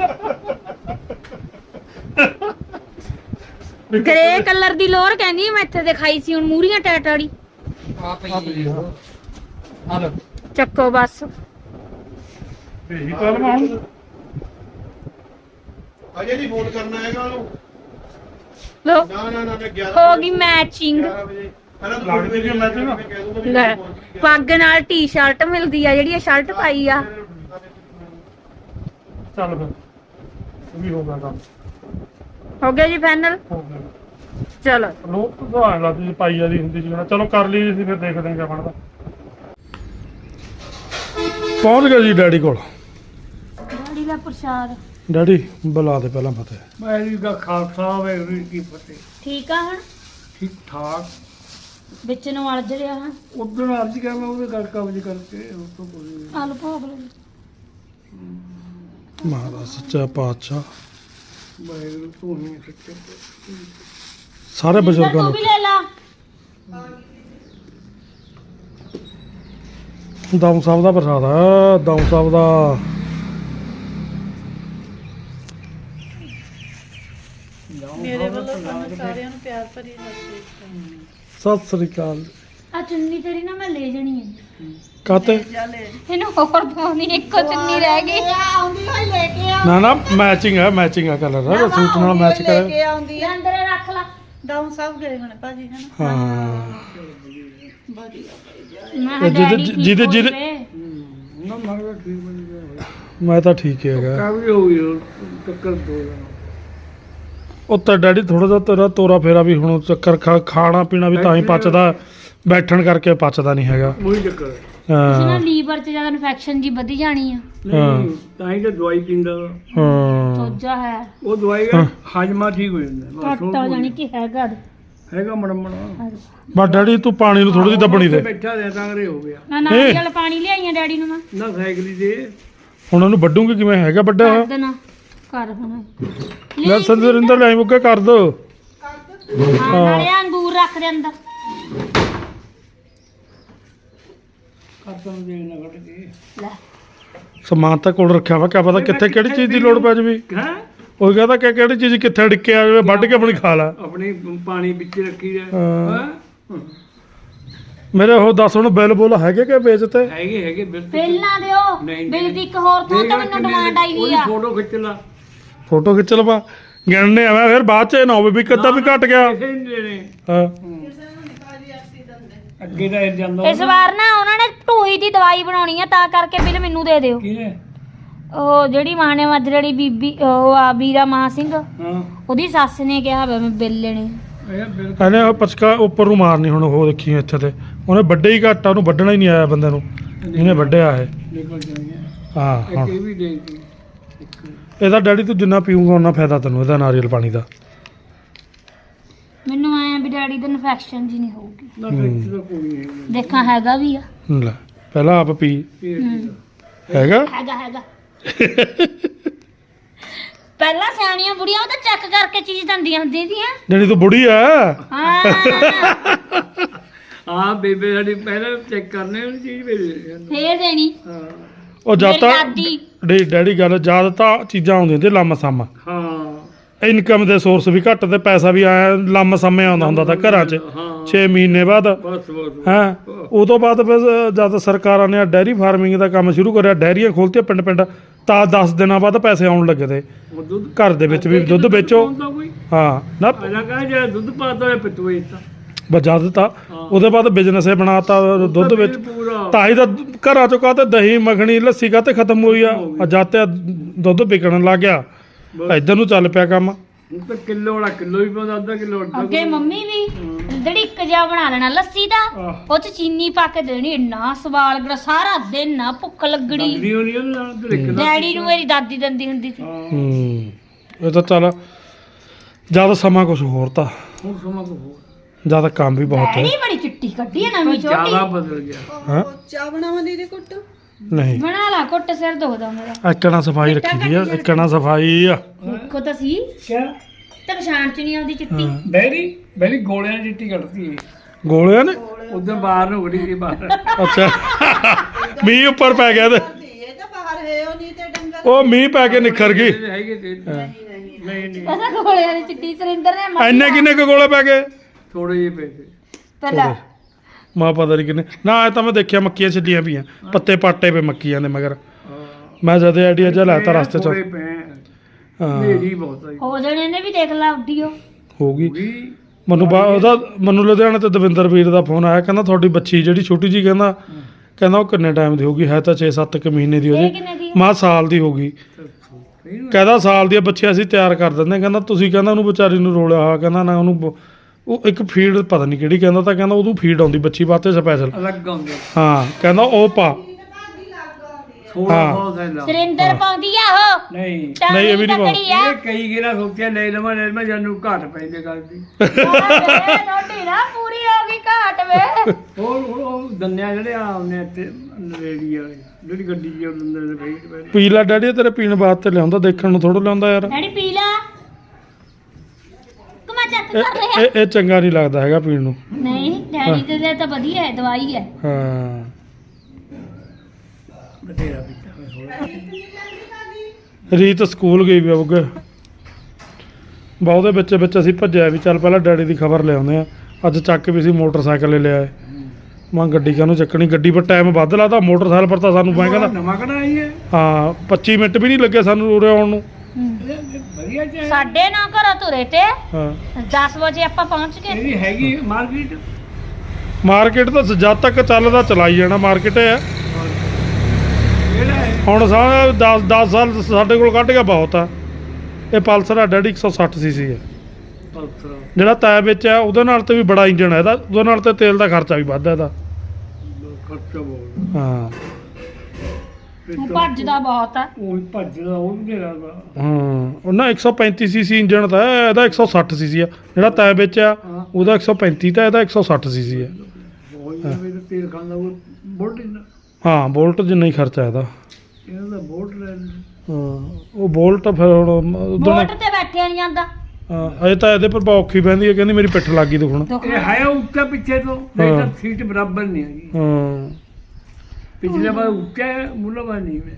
B: ਗ੍ਰੇ ਕਲਰ ਦੀ ਲੋਰ ਕਹਿੰਦੀ ਮੈਂ ਇੱਥੇ ਦਿਖਾਈ ਸੀ ਹੁਣ ਮੂਰੀਆਂ ਟੈਟ ਵਾਲੀ
D: ਆ ਪਈ ਜੀ ਆ ਲੋ
B: ਚੱਕੋ ਬਸ
A: ਇਹੀ ਗੱਲ ਮੈਂ ਹੁਣ
C: ਅਜੇ ਨਹੀਂ ਫੋਨ ਕਰਨਾ ਹੈਗਾ ਉਹਨੂੰ
B: ਲੋ
C: ਨਾ ਨਾ ਨਾ ਮੈਂ ਗਿਆਰਾਂ
B: ਹੋ ਗਈ ਮੈਚਿੰਗ
C: ਗਿਆਰਾਂ ਵਜੇ ਪਹਿਲਾਂ ਤਾਂ
A: ਲੱਗਦੀ ਵੀ matching ਆ।
C: ਮੈਂ ਕਹਿ ਦੂੰਗਾ ਵੀ
B: ਲੈ
C: ਪਹੁੰਚ ਗਈ।
B: ਪੱਗ ਨਾਲ ਟੀ-ਸ਼ਰਟ ਮਿਲਦੀ ਆ ਜਿਹੜੀ ਇਹ ਸ਼ਰਟ ਪਾਈ ਆ
A: ਚੱਲ ਫਿਰ ਇਹ ਵੀ ਹੋ ਗਿਆ ਕੰਮ
B: ਹੋ ਗਿਆ ਜੀ ਫਾਈਨਲ
A: ਹੋ ਗਿਆ।
B: ਚਲੋ
A: ਲੋਕ ਤਾਂ ਆਣ ਲੱਗਦੀ ਸੀ ਪਾਈ ਵਾਲੀ ਹੁੰਦੀ ਸੀ ਨਾ ਚਲੋ ਕਰ ਲਈ ਸੀ ਫਿਰ ਦੇਖਦੇ ਹਾਂ ਕਿਆ ਬਣਦਾ। ਪਹੁੰਚ ਗਏ ਜੀ ਡੈਡੀ ਕੋਲ।
B: ਡੈਡੀ ਦਾ ਪ੍ਰਸ਼ਾਦ
A: ਡੈਡੀ ਬੁਲਾ ਦੇ ਪਹਿਲਾਂ ਫਤਿਹ।
E: ਵਾਹਿਗੁਰੂ ਦਾ ਖਾਲਸਾ ਵਾਹਿਗੁਰੂ ਜੀ ਕੀ ਫਤਿਹ।
B: ਠੀਕ ਆ ਹੁਣ
E: ਠੀਕ ਠਾਕ
B: ਵਿੱਚ ਨੂੰ ਅਲਝ ਰਿਹਾ ਹਾਂ
E: ਉਦੋਂ ਅੱਜ ਕਿਹਾ ਮੈਂ ਉਹਦੇ ਗੱਲ ਕਬਜ਼ ਕਰਕੇ ਉਸ ਤੋਂ ਕੋਈ
B: ਆਲੂ ਭੋਗ ਲਓ
A: ਮਹਾਰਾਜ ਸੱਚਾ ਪਾਤਸ਼ਾਹ
E: ਵਾਹਿਗੁਰੂ ਤੂੰ ਹੀ ਸੱਚੇ
A: ਸਾਰੇ ਬਜ਼ੁਰਗਾਂ
B: ਤੂੰ
A: ਨੂੰ
B: ਵੀ ਲੈ ਲਾ
A: ਦਮ ਸਾਹਿਬ ਦਾ ਪ੍ਰਸਾਦ ਆ ਦਮ ਸਾਹਿਬ ਦਾ।
E: ਮੇਰੇ ਵੱਲੋਂ
F: ਸਾਰਿਆਂ ਨੂੰ ਪਿਆਰ ਭਰੀ ਸਤਿ ਸ਼੍ਰੀ ਅਕਾਲ।
A: ਸਤਿ ਸ੍ਰੀ ਅਕਾਲ।
B: ਆ ਚੁੰਨੀ ਤੇਰੀ ਨਾ ਮੈਂ ਲੈ ਜਾਣੀ ਹੈ
A: ਕਾਤੇ
B: ਇਹਨੂੰ ਹੋਰ ਪਾਉਣੀ ਇੱਕੋ ਚੁੰਨੀ ਰਹਿ ਗਈ
F: ਆਉਂਦੀ ਹੋਈ ਲੈ ਕੇ ਆ
A: ਨਾ ਨਾ ਮੈਚਿੰਗ ਹੈ ਮੈਚਿੰਗ ਆ ਕਲਰ ਦਾ ਸੂਟ ਨਾਲ ਮੈਚ
F: ਲੈ
A: ਕਰੇ
F: ਕੇ ਆਉਂਦੀ ਆ
B: ਅੰਦਰ ਰੱਖ ਲਾ
F: ਡਾਊਨ ਸਭ ਗਏ ਹੁਣ ਭਾਜੀ ਹਨਾ
A: ਹਾਂ
B: ਮੈਂ
A: ਤੇ ਜਿਹਦੇ- ਜਿਹਦੇ- ਜਿਹਦੇ-
E: ਨਾ ਮਰਵਾ ਠੀਕ ਬਣ ਗਿਆ
A: ਮੈਂ ਤਾਂ ਠੀਕ ਹੀ ਹੈਗਾ
E: ਕਾਬਲੀ ਹੋ ਗਈ ਹੁਣ, ਟੱਕਰ ਦੋ ਜਣਾ।
A: ਉਹ ਤਾਂ ਡੈਡੀ ਥੋੜਾ ਜਿਹਾ ਤੇਰਾ ਤੋਰਾ ਫੇਰਾ ਵੀ ਹੁਣ ਚੱਕਰ ਖਾ ਖਾਣਾ ਪੀਣਾ ਵੀ ਤਾਂ ਹੀ ਪਚਦਾ ਬੈਠਣ ਕਰਕੇ ਪਚਦਾ ਨਹੀਂ ਹੈਗਾ
E: ਉਹੀ ਚੱਕਰ ਹੈ।
B: ਉਸ ਨਾਲ
A: ਹਾਂ
B: ਲੀਵਰ 'ਚ ਜ਼ਿਆਦਾ ਇਨਫੈਕਸ਼ਨ ਜੀ ਵਧੀ ਜਾਣੀ ਆ
E: ਨਹੀਂ ਤਾਂ ਹੀ ਤਾਂ ਦਵਾਈ ਪੀਂਦਾ ਵਾ।
A: ਹਾਂ
B: ਸੋਜਾ ਹੈ
E: ਉਹ ਦਵਾਈ ਨਾਲ ਹਾਜਮਾ ਠੀਕ ਹੋ ਜਾਂਦਾ ਬਸ
B: ਘੱਟ
E: ਹੋਰ
B: ਹੋ
E: ਕੋਈ
B: ਜਾਣੀ ਕਿ ਹੈਗਾ
E: ਹੈਗਾ ਮੜਮਣਾ
A: ਬਸ ਡੈਡੀ ਤੂੰ ਪਾਣੀ ਨੂੰ ਥੋੜੀ ਜਿਹੀ ਦੱਬਣੀ ਦੇ
E: ਬੈਠਾ ਰਿਹਾ ਤਾਂ ਕਰੇ ਹੋ ਗਿਆ
B: ਨਾ ਨਾਰੀਅਲ ਪਾਣੀ ਲਿਆਈਆਂ ਡੈਡੀ ਨੂੰ ਮੈਂ
E: ਨਾ ਸਾਈਕਲੀ ਦੇ
A: ਹੁਣ ਉਹਨੂੰ ਵੱਡੂਗੀ ਕਿਵੇਂ ਹੈਗਾ ਵੱਡਾ
B: ਕਰ ਦੇਣਾ ਕਰ ਹੁਣ
A: ਲੈ ਸੰਦਰਿੰਦਰ ਲੈ ਮੁੱਕੇ ਕਰ ਦੋ
B: ਹਾਂ ਨਾਲੇ ਆਹ ਅੰਗੂਰ ਰੱਖ ਦੇ ਅੰਦਰ
E: ਕਰਤਾਂ ਦੇ ਨਾ ਕੱਢ ਕੇ
B: ਲੈ
A: ਸਮਾਨ ਤਾਂ ਕੋਲ ਰੱਖਿਆ ਵਾ ਕਿਆ ਪਤਾ ਕਿੱਥੇ ਕਿਹੜੀ ਚੀਜ਼ ਦੀ ਲੋੜ ਪੈ ਜਾਵੇ
E: ਹੈ
A: ਉਹ ਕਹਿੰਦਾ ਕਿ ਕਿਹੜੀ ਚੀਜ਼ ਕਿੱਥੇ ਡਿੱਕੇ ਆ ਜਾਵੇ ਵੱਢ ਕੇ ਆਪਣੀ ਖਾ ਲੈ
E: ਆਪਣੀ ਪਾਣੀ ਵਿੱਚ ਰੱਖੀ ਦਾ
A: ਹਾਂ।
E: ਹਾਂ
A: ਮੇਰੇ ਉਹ ਦੱਸ ਹੁਣ ਬਿੱਲ ਬੁੱਲ ਹੈਗੇ ਕਿ ਵੇਚਤੇ
E: ਹੈਗੇ ਹੈਗੇ ਬਿਲਕੁਲ
B: ਪਹਿਲਾਂ ਦਿਓ
E: ਨਹੀਂ,
B: ਬਿਲ
E: ਨਹੀਂ।
B: ਦੀ ਇੱਕ ਹੋਰ ਤੋਂ ਤਾਂ ਮੈਨੂੰ ਡਿਮਾਂਡ ਆਈ ਵੀ ਆ
E: ਫੋਟੋ ਖਿੱਚ ਲਾ
A: ਫੋਟੋ ਖਿੱਚ ਲਵਾ ਗਿਣਨੇ ਆਵੇਂ ਫਿਰ ਬਾਅਦ ਚ ਇਹ ਨਾ ਹੋਵੇ ਵੀ ਕਿੱਦਾਂ ਵੀ ਘਟ ਗਿਆ
E: ਕਿਸੇ ਨਹੀਂ ਦੇਣੇ
A: ਹਾਂ
E: ਅੱਗੇ ਤਾਂ ਇਹ ਜਾਂਦਾ
B: ਇਸ ਵਾਰ ਨਾ ਉਹਨਾਂ ਨੇ ਢੂਈ ਦੀ ਦਵਾਈ ਬਣਾਉਣੀ ਆ ਤਾਂ ਕਰਕੇ ਬਿੱਲ ਮੈਨੂੰ ਦੇ ਦਿਓ
E: ਕਿਹਨੇ
B: ਉਹ ਜਿਹੜੀ ਮਾਂ ਨੇ ਮੱਜੜੀ ਬੀਬੀ ਉਹ ਆ ਵੀਰਾ ਮਾਂ ਸਿੰਘ
E: ਹਾਂ
B: ਉਹਦੀ ਸੱਸ ਨੇ ਕਿਹਾ ਵੇ ਮੈਂ ਬਿੱਲ ਲੈਣੇ
E: ਇਹ ਬਿਲਕੁਲ
A: ਇਹਨੇ ਉਹ ਪਚਕਾ ਉੱਪਰ ਨੂੰ ਮਾਰਨੀ ਹੁਣ ਉਹ ਦੇਖੀ ਇੱਥੇ ਤੇ ਉਹਨੇ ਵੱਡੇ ਹੀ ਘਾਟਾ ਉਹਨੂੰ ਵੱਢਣਾ ਹੀ ਨਹੀਂ ਆਇਆ ਬੰਦੇ ਨੂੰ ਇਹਨੇ ਵੱਢਿਆ ਇਹ
E: ਨਿਕਲ ਜਾਣਗੇ
A: ਹਾਂ
E: ਇੱਕ
A: ਹਾਂ
E: ਇਹ ਵੀ ਦੇ ਦਿੱਤੀ ਇੱਕ
A: ਇਹਦਾ ਡੈਡੀ ਤੂੰ ਜਿੰਨਾ ਪੀਊਗਾ ਉਹਨਾਂ ਫਾਇਦਾ ਤੈਨੂੰ ਇਹਦਾ ਨਾਰੀਅਲ ਪਾਣੀ ਦਾ
B: ਮੈਨੂੰ ਐ ਵੀ ਡੈਡੀ ਦਾ ਇਨਫੈਕਸ਼ਨ ਜੀ ਨਹੀਂ ਹੋਊਗੀ
E: ਨਾ ਫੈਕਟਰੀ ਦਾ ਕੋਈ ਨਹੀਂ ਹੈਗਾ।
B: ਦੇਖਾਂ ਹੈਗਾ ਵੀ ਆ
A: ਲੈ ਪਹਿਲਾਂ ਆਪ ਪੀ
E: ਇਹ
B: ਹੂੰ।
A: ਹੈਗਾ
B: ਹੈਗਾ ਹੈਗਾ ਪਹਿਲਾਂ ਸਿਆਣੀਆਂ ਬੁੜੀਆਂ ਉਹ ਤਾਂ ਚੈੱਕ ਕਰਕੇ ਚੀਜ਼ ਦਿੰਦੀਆਂ ਹੁੰਦੀਆਂ ਸੀਆਂ
A: ਜਿਹੜੀ ਤੂੰ ਬੁੜੀ ਆ
B: ਹਾਂ
E: ਹਾਂ ਬੇਬੇ ਸਾਡੀ ਪਹਿਲਾਂ ਚੈੱਕ ਕਰਨੇ ਉਹ ਚੀਜ਼ ਭੇਜ
B: ਫੇਰ ਦੇਣੀ
E: ਹਾਂ
A: ਉਹ ਜਦ
B: ਮੇਰੀ
A: ਤਾਂ
B: ਦਾਦੀ
A: ਡੇ ਡੈਡੀ ਗੱਲ ਜਦ ਤਾਂ ਚੀਜ਼ਾਂ ਆਉਂਦੀਆਂ ਤੇ ਲੰਮ ਸਮ
E: ਹਾਂ
A: ਇਨਕਮ ਦੇ ਸੋਰਸ ਵੀ ਘੱਟ ਤੇ ਪੈਸਾ ਵੀ ਆਇਆ ਲੰਮ ਸਮੇਂ ਆਉਂਦਾ ਹੁੰਦਾ ਤਾਂ ਘਰਾਂ 'ਚ
E: ਹਾਂ
A: ਛੇ ਮਹੀਨੇ ਬਾਅਦ
E: ਬਸ ਬਸ
A: ਹਾਂ ਉਹ ਤੋਂ ਬਾਅਦ ਫਿਰ ਜਦ ਸਰਕਾਰਾਂ ਨੇ ਡੈਰੀ ਫਾਰਮਿੰਗ ਦਾ ਕੰਮ ਸ਼ੁਰੂ ਕਰਿਆ ਡੈਰੀਆਂ ਖੋਲ੍ਹਤੀਆਂ ਪਿੰਡ ਪਿੰਡ ਤਾਂ ਦਸ ਦਿਨਾਂ ਬਾਅਦ ਪੈਸੇ ਆਉਣ ਲੱਗੇ ਤੇ
E: ਉਹ ਦੁੱਧ
A: ਘਰ ਦੇ ਵਿੱਚ ਵੀ ਦੁੱਧ ਵੇਚੋ
E: ਪਾਉਂਦਾ ਕੋਈ
A: ਹਾਂ ਨਾ
E: ਪਹਿਲਾਂ ਕਹਾਂ ਜੇ ਦੁੱਧ ਪਾਤਾ ਹੋਇਆ ਪਿੱਤੂ ਵੇਚਤਾ
A: ਬਜਾ ਦਿੱਤਾ ਉਹਦੇ ਬਾਅਦ ਬਿਜ਼ਨਸ ਹੀ ਬਣਾਤਾ ਦੁੱਧ ਵਿੱਚ
E: ਪੂਰਾ
A: ਤਾਂ ਹੀ ਤਾਂ ਘਰਾਂ ਚੋਂ ਕਾਹਤੇ ਦਹੀਂ ਮੱਖਣੀ ਲੱਸੀ ਕਾਹਤੇ ਖਤਮ ਹੋਈ ਆ ਆ ਜਦ ਤੇ ਦੁੱਧ ਵਿਕਣ ਲੱਗ ਗਿਆ ਇੱਧਰ ਨੂੰ ਚੱਲ ਪਿਆ ਕੰਮ
E: ਹੁਣ ਤਾਂ ਕਿਲੋ ਵਾਲਾ ਕਿਲੋ ਵੀ ਪਾਉਂਦਾ ਅੱਧਾ ਕਿਲੋ ਅੱਧਾ
B: ਅੱਗੇ ਮੰਮੀ ਵੀ ਜਿਹੜੀ ਇੱਕ ਜਿਹਾ ਬਣਾ ਲੈਣਾ ਲੱਸੀ ਦਾ
E: ਆਹ।
B: ਉਹ ਚ ਚੀਨੀ ਪਾ ਕੇ ਦੇਣੀ ਇੰਨਾ ਸਵਾਲ ਗੜਾ ਸਾਰਾ ਦਿਨ ਨਾ ਭੁੱਖ ਲੱਗਣੀ
E: ਲੱਗਦੀ ਹੋਣੀ ਉਹਦੇ ਨਾਲ ਤੇ ਲਿਖ ਲਾ
B: ਡੈਡੀ ਨੂੰ ਮੇਰੀ ਦਾਦੀ ਦਿੰਦੀ ਹੁੰਦੀ ਸੀ
E: ਹਾਂ
A: ਹੂੰ ਇਹ ਤਾਂ ਚੱਲ ਜਦ ਸਮਾਂ ਕੁਝ ਹੋਰ ਤਾਂ
E: ਹੁਣ ਸਮਾਂ ਕੋ ਹੋਰ
A: ਜਦ ਕੰਮ ਵੀ ਬਹੁਤ ਹੈ
B: ਡੈਡੀ ਬੜੀ ਚਿੱਟੀ ਕੱਢੀ ਹੈ ਨਵੀਂ
E: ਜ਼ਿਆਦਾ
B: ਛੋਟੀ
E: ਬਦਲ ਗਿਆ
A: ਹਾਂ
F: ਚਾਹ ਬਣਾਵਾਂ ਦੀਦੀ ਕੁੱਟ
A: ਨਹੀਂ
B: ਬਣਾ ਲਾ ਘੁੱਟ ਸਿਰ ਦੁਖਦਾ ਮੇਰਾ
A: ਇੱਕਣਾ ਸਫਾਈ ਰੱਖੀ ਦੀ ਆ ਇੱਕਣਾ ਸਫਾਈ ਆ
B: ਦੇਖੋ ਤਾਂ ਸੀ
E: ਕਿਆ
B: ਤੇ ਪਛਾਣ ਚ ਨਹੀਂ ਆਉਂਦੀ ਚਿੱਟੀ
A: ਹਾਂ।
E: ਬੈਰੀ ਬੈਰੀ ਗੋਲਿਆਂ ਦੀ ਚਿੱਟੀ ਕੱਢਦੀ ਹੈ
A: ਗੋਲਿਆਂ ਨੇ
E: ਉਧਰ ਬਾਹਰ ਨੂੰ ਉੜੀ ਦੀ ਬਾਹਰ
A: ਅੱਛਾ ਮੀਂਹ ਉੱਪਰ ਪੈ ਗਿਆ ਤੇ
F: ਇਹ ਤਾਂ ਬਾਹਰ ਹੈ ਉਹ ਨਹੀਂ ਤੇ ਡੰਗਰ
A: ਉਹ ਮੀਂਹ ਪੈ ਕੇ ਨਿਖਰ ਗਈ
E: ਹੈਗੇ ਤੇ ਨਹੀਂ ਨਹੀਂ
B: ਪਤਾ ਗੋਲਿਆਂ ਦੀ ਚਿੱਟੀ ਸਰਿੰਦਰ ਨੇ ਮਾਰੀ
A: ਐਨੇ ਕਿੰਨੇ ਕੁ ਗੋਲੇ ਪੈ ਗਏ
E: ਥੋੜੇ ਜਿਹੇ ਪੈਸੇ
B: ਪਹਿਲਾਂ
A: ਮਾਂ ਪਤਾ ਨਹੀਂ ਕਿੰਨੇ ਨਾ ਇਹ ਤਾਂ ਮੈਂ ਦੇਖਿਆ ਮੱਕੀਆਂ ਛੱਡੀਆਂ ਪਈਆਂ ਪੱਤੇ ਪਾਟੇ ਪਏ ਮੱਕੀਆਂ ਦੇ ਮਗਰ ਮੈਂ ਜਦ ਆਈਡੀਆ ਜਿਹਾ ਲਾਤਾ ਰਸਤੇ ਚ
E: ਥੋੜੇ ਪੈ
A: ਹਾਂ
E: ਮੇਰੀ ਬਹੁਤ ਆਈ
B: ਹੋ ਜਾਣੇ ਨੇ ਵੀ ਦੇਖ ਲਾ ਉੱਡੀਓ
A: ਹੋ ਗਈ
E: ਵੀ
A: ਮੈਨੂੰ ਬਾ ਉਹਦਾ ਮੈਨੂੰ ਲੁਧਿਆਣੇ ਤੇ ਦਵਿੰਦਰ ਵੀਰ ਦਾ ਫੋਨ ਆਇਆ ਕਹਿੰਦਾ ਤੁਹਾਡੀ ਬੱਚੀ ਜਿਹੜੀ ਛੋਟੀ ਜੀ ਕਹਿੰਦਾ ਕਹਿੰਦਾ ਉਹ ਕਿੰਨੇ ਟਾਈਮ ਦੀ ਹੋਗੀ ਹੈ ਤਾਂ ਛੇ ਸੱਤ ਕੁ ਮਹੀਨੇ ਦੀ
B: ਇਹ
A: ਉਹਦੀ
B: ਕਿੰਨੇ ਦੀ
A: ਮਾਂ ਸਾਲ ਦੀ ਹੋ ਗਈ ਕਹਿੰਦਾ ਸਾਲ ਦੀਆਂ ਬੱਚੀਆਂ ਅਸੀਂ ਤਿਆਰ ਕਰ ਦਿੰਦੇ ਕਹਿੰਦਾ ਤੁਸੀਂ ਕਹਿੰਦਾ ਉਹਨੂੰ ਵਿਚਾਰੀ ਨੂੰ ਰੋਲਿਆ ਹੋਇਆ ਕਹਿੰਦਾ ਨਾ ਉਹਨੂੰ ਬ- ਉਹ ਇੱਕ ਫੀਡ ਪਤਾ ਨਹੀਂ ਕਿਹੜੀ ਕਹਿੰਦਾ ਤਾਂ ਕਹਿੰਦਾ ਉਹਨੂੰ ਫੀਡ ਆਉਂਦੀ ਬੱਚੀ ਵਾਸਤੇ ਸਪੈਸ਼ਲ
E: ਅਲੱਗ ਆਉਂਦੇ
A: ਹਾਂ ਕਹਿੰਦਾ ਉਹ ਪਾ
E: ਥੋੜਾ
A: ਹਾਂ।
E: ਬਹੁਤ ਹੈ ਲਾ
B: ਸਰਿੰਦਰ ਪਾਉਂਦੀ ਆ ਉਹ
E: ਨਹੀਂ
B: ਤਾਂ
A: ਨਹੀਂ, ਇਹ ਵੀ ਨਹੀਂ
B: ਤਕੜੀ ਆ
E: ਇਹ ਕਈ ਗੇਰਾ ਸੋਚਿਆ ਲੈ ਲਵਾਂ ਲੈ ਲਵਾਂ ਜਾਨੂੰ ਘਾਟ ਪੈਂਦੇ ਗੱਲ ਦੀ
B: ਤੁਹਾਡੀ ਨਾ ਪੂਰੀ ਹੋ ਗਈ ਘਾਟ ਵੇ
E: ਹੋਰ ਹੁਣ ਉਹ ਦੰਨਿਆ ਜਿਹੜੇ ਆ ਉਹਨੇ ਇੱਥੇ ਰੇੜੀ ਵਾਲੇ ਜਿਹੜੀ ਗੱਡੀ ਜੀ ਉਹ ਦੰਦੇ ਨੇ ਬਈ ਪਹਿਲਾਂ
A: ਪੀ ਲੈ ਡੈਡੀ ਤੇਰੇ ਪੀਣ ਵਾਸਤੇ ਲਿਆਉਂਦਾ ਦੇਖਣ ਨੂੰ ਥੋੜਾ ਲਿਆਉਂਦਾ ਯਾਰ
B: ਡੈਡੀ ਪੀ ਲਾ ਕਮਾ ਚੱਕ
A: ਇਹ
B: ਕਰ ਰਿਹਾ
A: ਇਹ- ਇਹ ਚੰਗਾ ਨਹੀਂ ਲੱਗਦਾ ਹੈਗਾ ਪੀਣ ਨੂੰ
B: ਨਹੀਂ ਡੈਡੀ ਦੇ ਲਈ ਤਾਂ ਵਧੀਆ ਹੈ ਦਵਾਈ ਹੈ
A: ਹਾਂ
E: ਬਥੇਰਾ ਪੀਤਾ ਥੋੜਾ
A: ਰੀਤ ਸਕੂਲ ਗਈ ਵੀ ਹੋਊਗੇ ਬਹੁਤੇ ਵਿੱਚ ਵਿੱਚ ਅਸੀਂ ਭੱਜਿਆ ਵੀ ਚੱਲ ਪਹਿਲਾਂ ਡੈਡੀ ਦੀ ਖਬਰ ਲਿਆਉਂਦੇ ਆ ਅੱਜ ਚੱਕ ਵੀ ਸੀ ਮੋਟਰਸਾਈਕਲ ਲੈ ਲਿਆਏ ਮੈਂ ਗੱਡੀ ਕਾਹਨੂੰ ਚੱਕਣੀ, ਗੱਡੀ ਪਰ ਟਾਈਮ ਵੱਧ ਲਾਦਾ, ਮੋਟਰਸਾਈਕਲ ਪਰ ਤਾਂ ਸਾਨੂੰ ਮੈਂ ਕਹਿੰਦਾ
E: ਨਵਾਂ ਕਢਾ ਆਈ ਹੈ
A: ਹਾਂ ਪੱਚੀ ਮਿੰਟ ਵੀ ਨਹੀਂ ਲੱਗੇ ਸਾਨੂੰ ਉਰੇ ਆਉਣ ਨੂੰ।
E: ਵਧੀਆ ਚ
B: ਸਾਡੇ ਨਾ ਘਰੋਂ ਤੁਰੇ ਤੇ
A: ਹਾਂ
B: ਦਸ ਵਜੇ ਆਪਾਂ ਪਹੁੰਚ ਗਏ।
E: ਇਹਦੀ ਹੈਗੀ ਮਾਰਕੀਟ
A: ਮਾਰਕੀਟ ਤਾਂ ਜਦ ਤੱਕ ਚੱਲਦਾ ਚਲਾਈ ਜਾਣਾ, ਮਾਰਕੀਟ ਹੈ
E: ਕਿਹੜਾ ਹੈ
A: ਹੁਣ ਸਾਰਾ ਦਸ ਦਸ ਸਾਲ ਸਾਡੇ ਕੋਲ ਕੱਢ ਗਿਆ ਬਹੁਤ ਆ। ਇਹ ਪਲਸਰ ਆ ਡੈਡੀ ਇੱਕ ਸੌ ਸੱਠ ਸੀਸੀ ਹੈ,
E: ਪਲਸਰ
A: ਜਿਹੜਾ ਤੈ ਵਿੱਚ ਆ ਉਹਦੇ ਨਾਲ ਤੇ ਵੀ ਬੜਾ ਇੰਜਣ ਹੈ ਇਹਦਾ, ਉਹਦੇ ਨਾਲ ਤੇ ਤੇਲ ਦਾ ਖਰਚਾ ਵੀ ਵੱਧ ਹੈ ਇਹਦਾ।
E: ਖਰਚਾ ਬਹੁਤ
A: ਹਾਂ
B: ਉਹ ਭੱਜਦਾ ਬਹੁਤ ਆ।
E: ਉਹ ਭੱਜਦਾ ਉਹ ਵੀ ਜਿਹੜਾ
A: ਹਾਂ ਉਹਨਾਂ ਇੱਕ ਸੌ ਪੈਂਤੀ ਸੀਸੀ ਇੰਜਣ ਦਾ ਹੈ, ਇਹਦਾ ਇੱਕ ਸੌ ਸੱਠ ਸੀਸੀ ਆ। ਜਿਹੜਾ ਤੈ ਵਿੱਚ ਆ ਉਹਦਾ ਇੱਕ ਸੌ ਪੈਂਤੀ ਤਾਂ ਇਹਦਾ ਇੱਕ ਸੌ ਸੱਠ ਸੀਸੀ ਹੈ।
E: ਬਹੁਤ ਜਿਆਦਾ ਤੇਲ ਖਾਂਦਾ ਉਹ ਬੋਲਟ
A: ਹਾਂ ਬੋਲਟ ਜਿੰਨਾ ਹੀ ਖਰਚਾ ਇਹਦਾ।
E: ਇਹਨਾਂ ਦਾ ਬੋਲਟ ਲੈ
A: ਹਾਂ ਉਹ ਬੋਲਟ ਫਿਰ ਹੁਣ ਉਦੋਂ
B: ਬੋਟ ਤੇ ਬੈਠਿਆ ਨਹੀਂ ਜਾਂਦਾ।
A: ਅਜੇ ਤਾਂ ਇਹਦੇ ਪਰ ਬਹੁਤ ਔਖੀ ਪੈਂਦੀ ਹੈ, ਕਹਿੰਦੀ ਮੇਰੀ ਪਿੱਠ ਲੱਗ ਗਈ ਦੁਖਣ।
E: ਇਹ ਹੈ ਉੱਚਾ ਪਿੱਛੇ ਤੋਂ ਨਹੀਂ ਤਾਂ ਸੀਟ ਬਰਾਬਰ ਨਹੀਂ ਹੈਗੀ।
A: ਹਾਂ
E: ਪਿਛਲੇ ਵਾਰ ਉੱਚਾ ਹੈ ਮੁੱਲਾ ਵਾਰ ਨਹੀਂ ਮੈਂ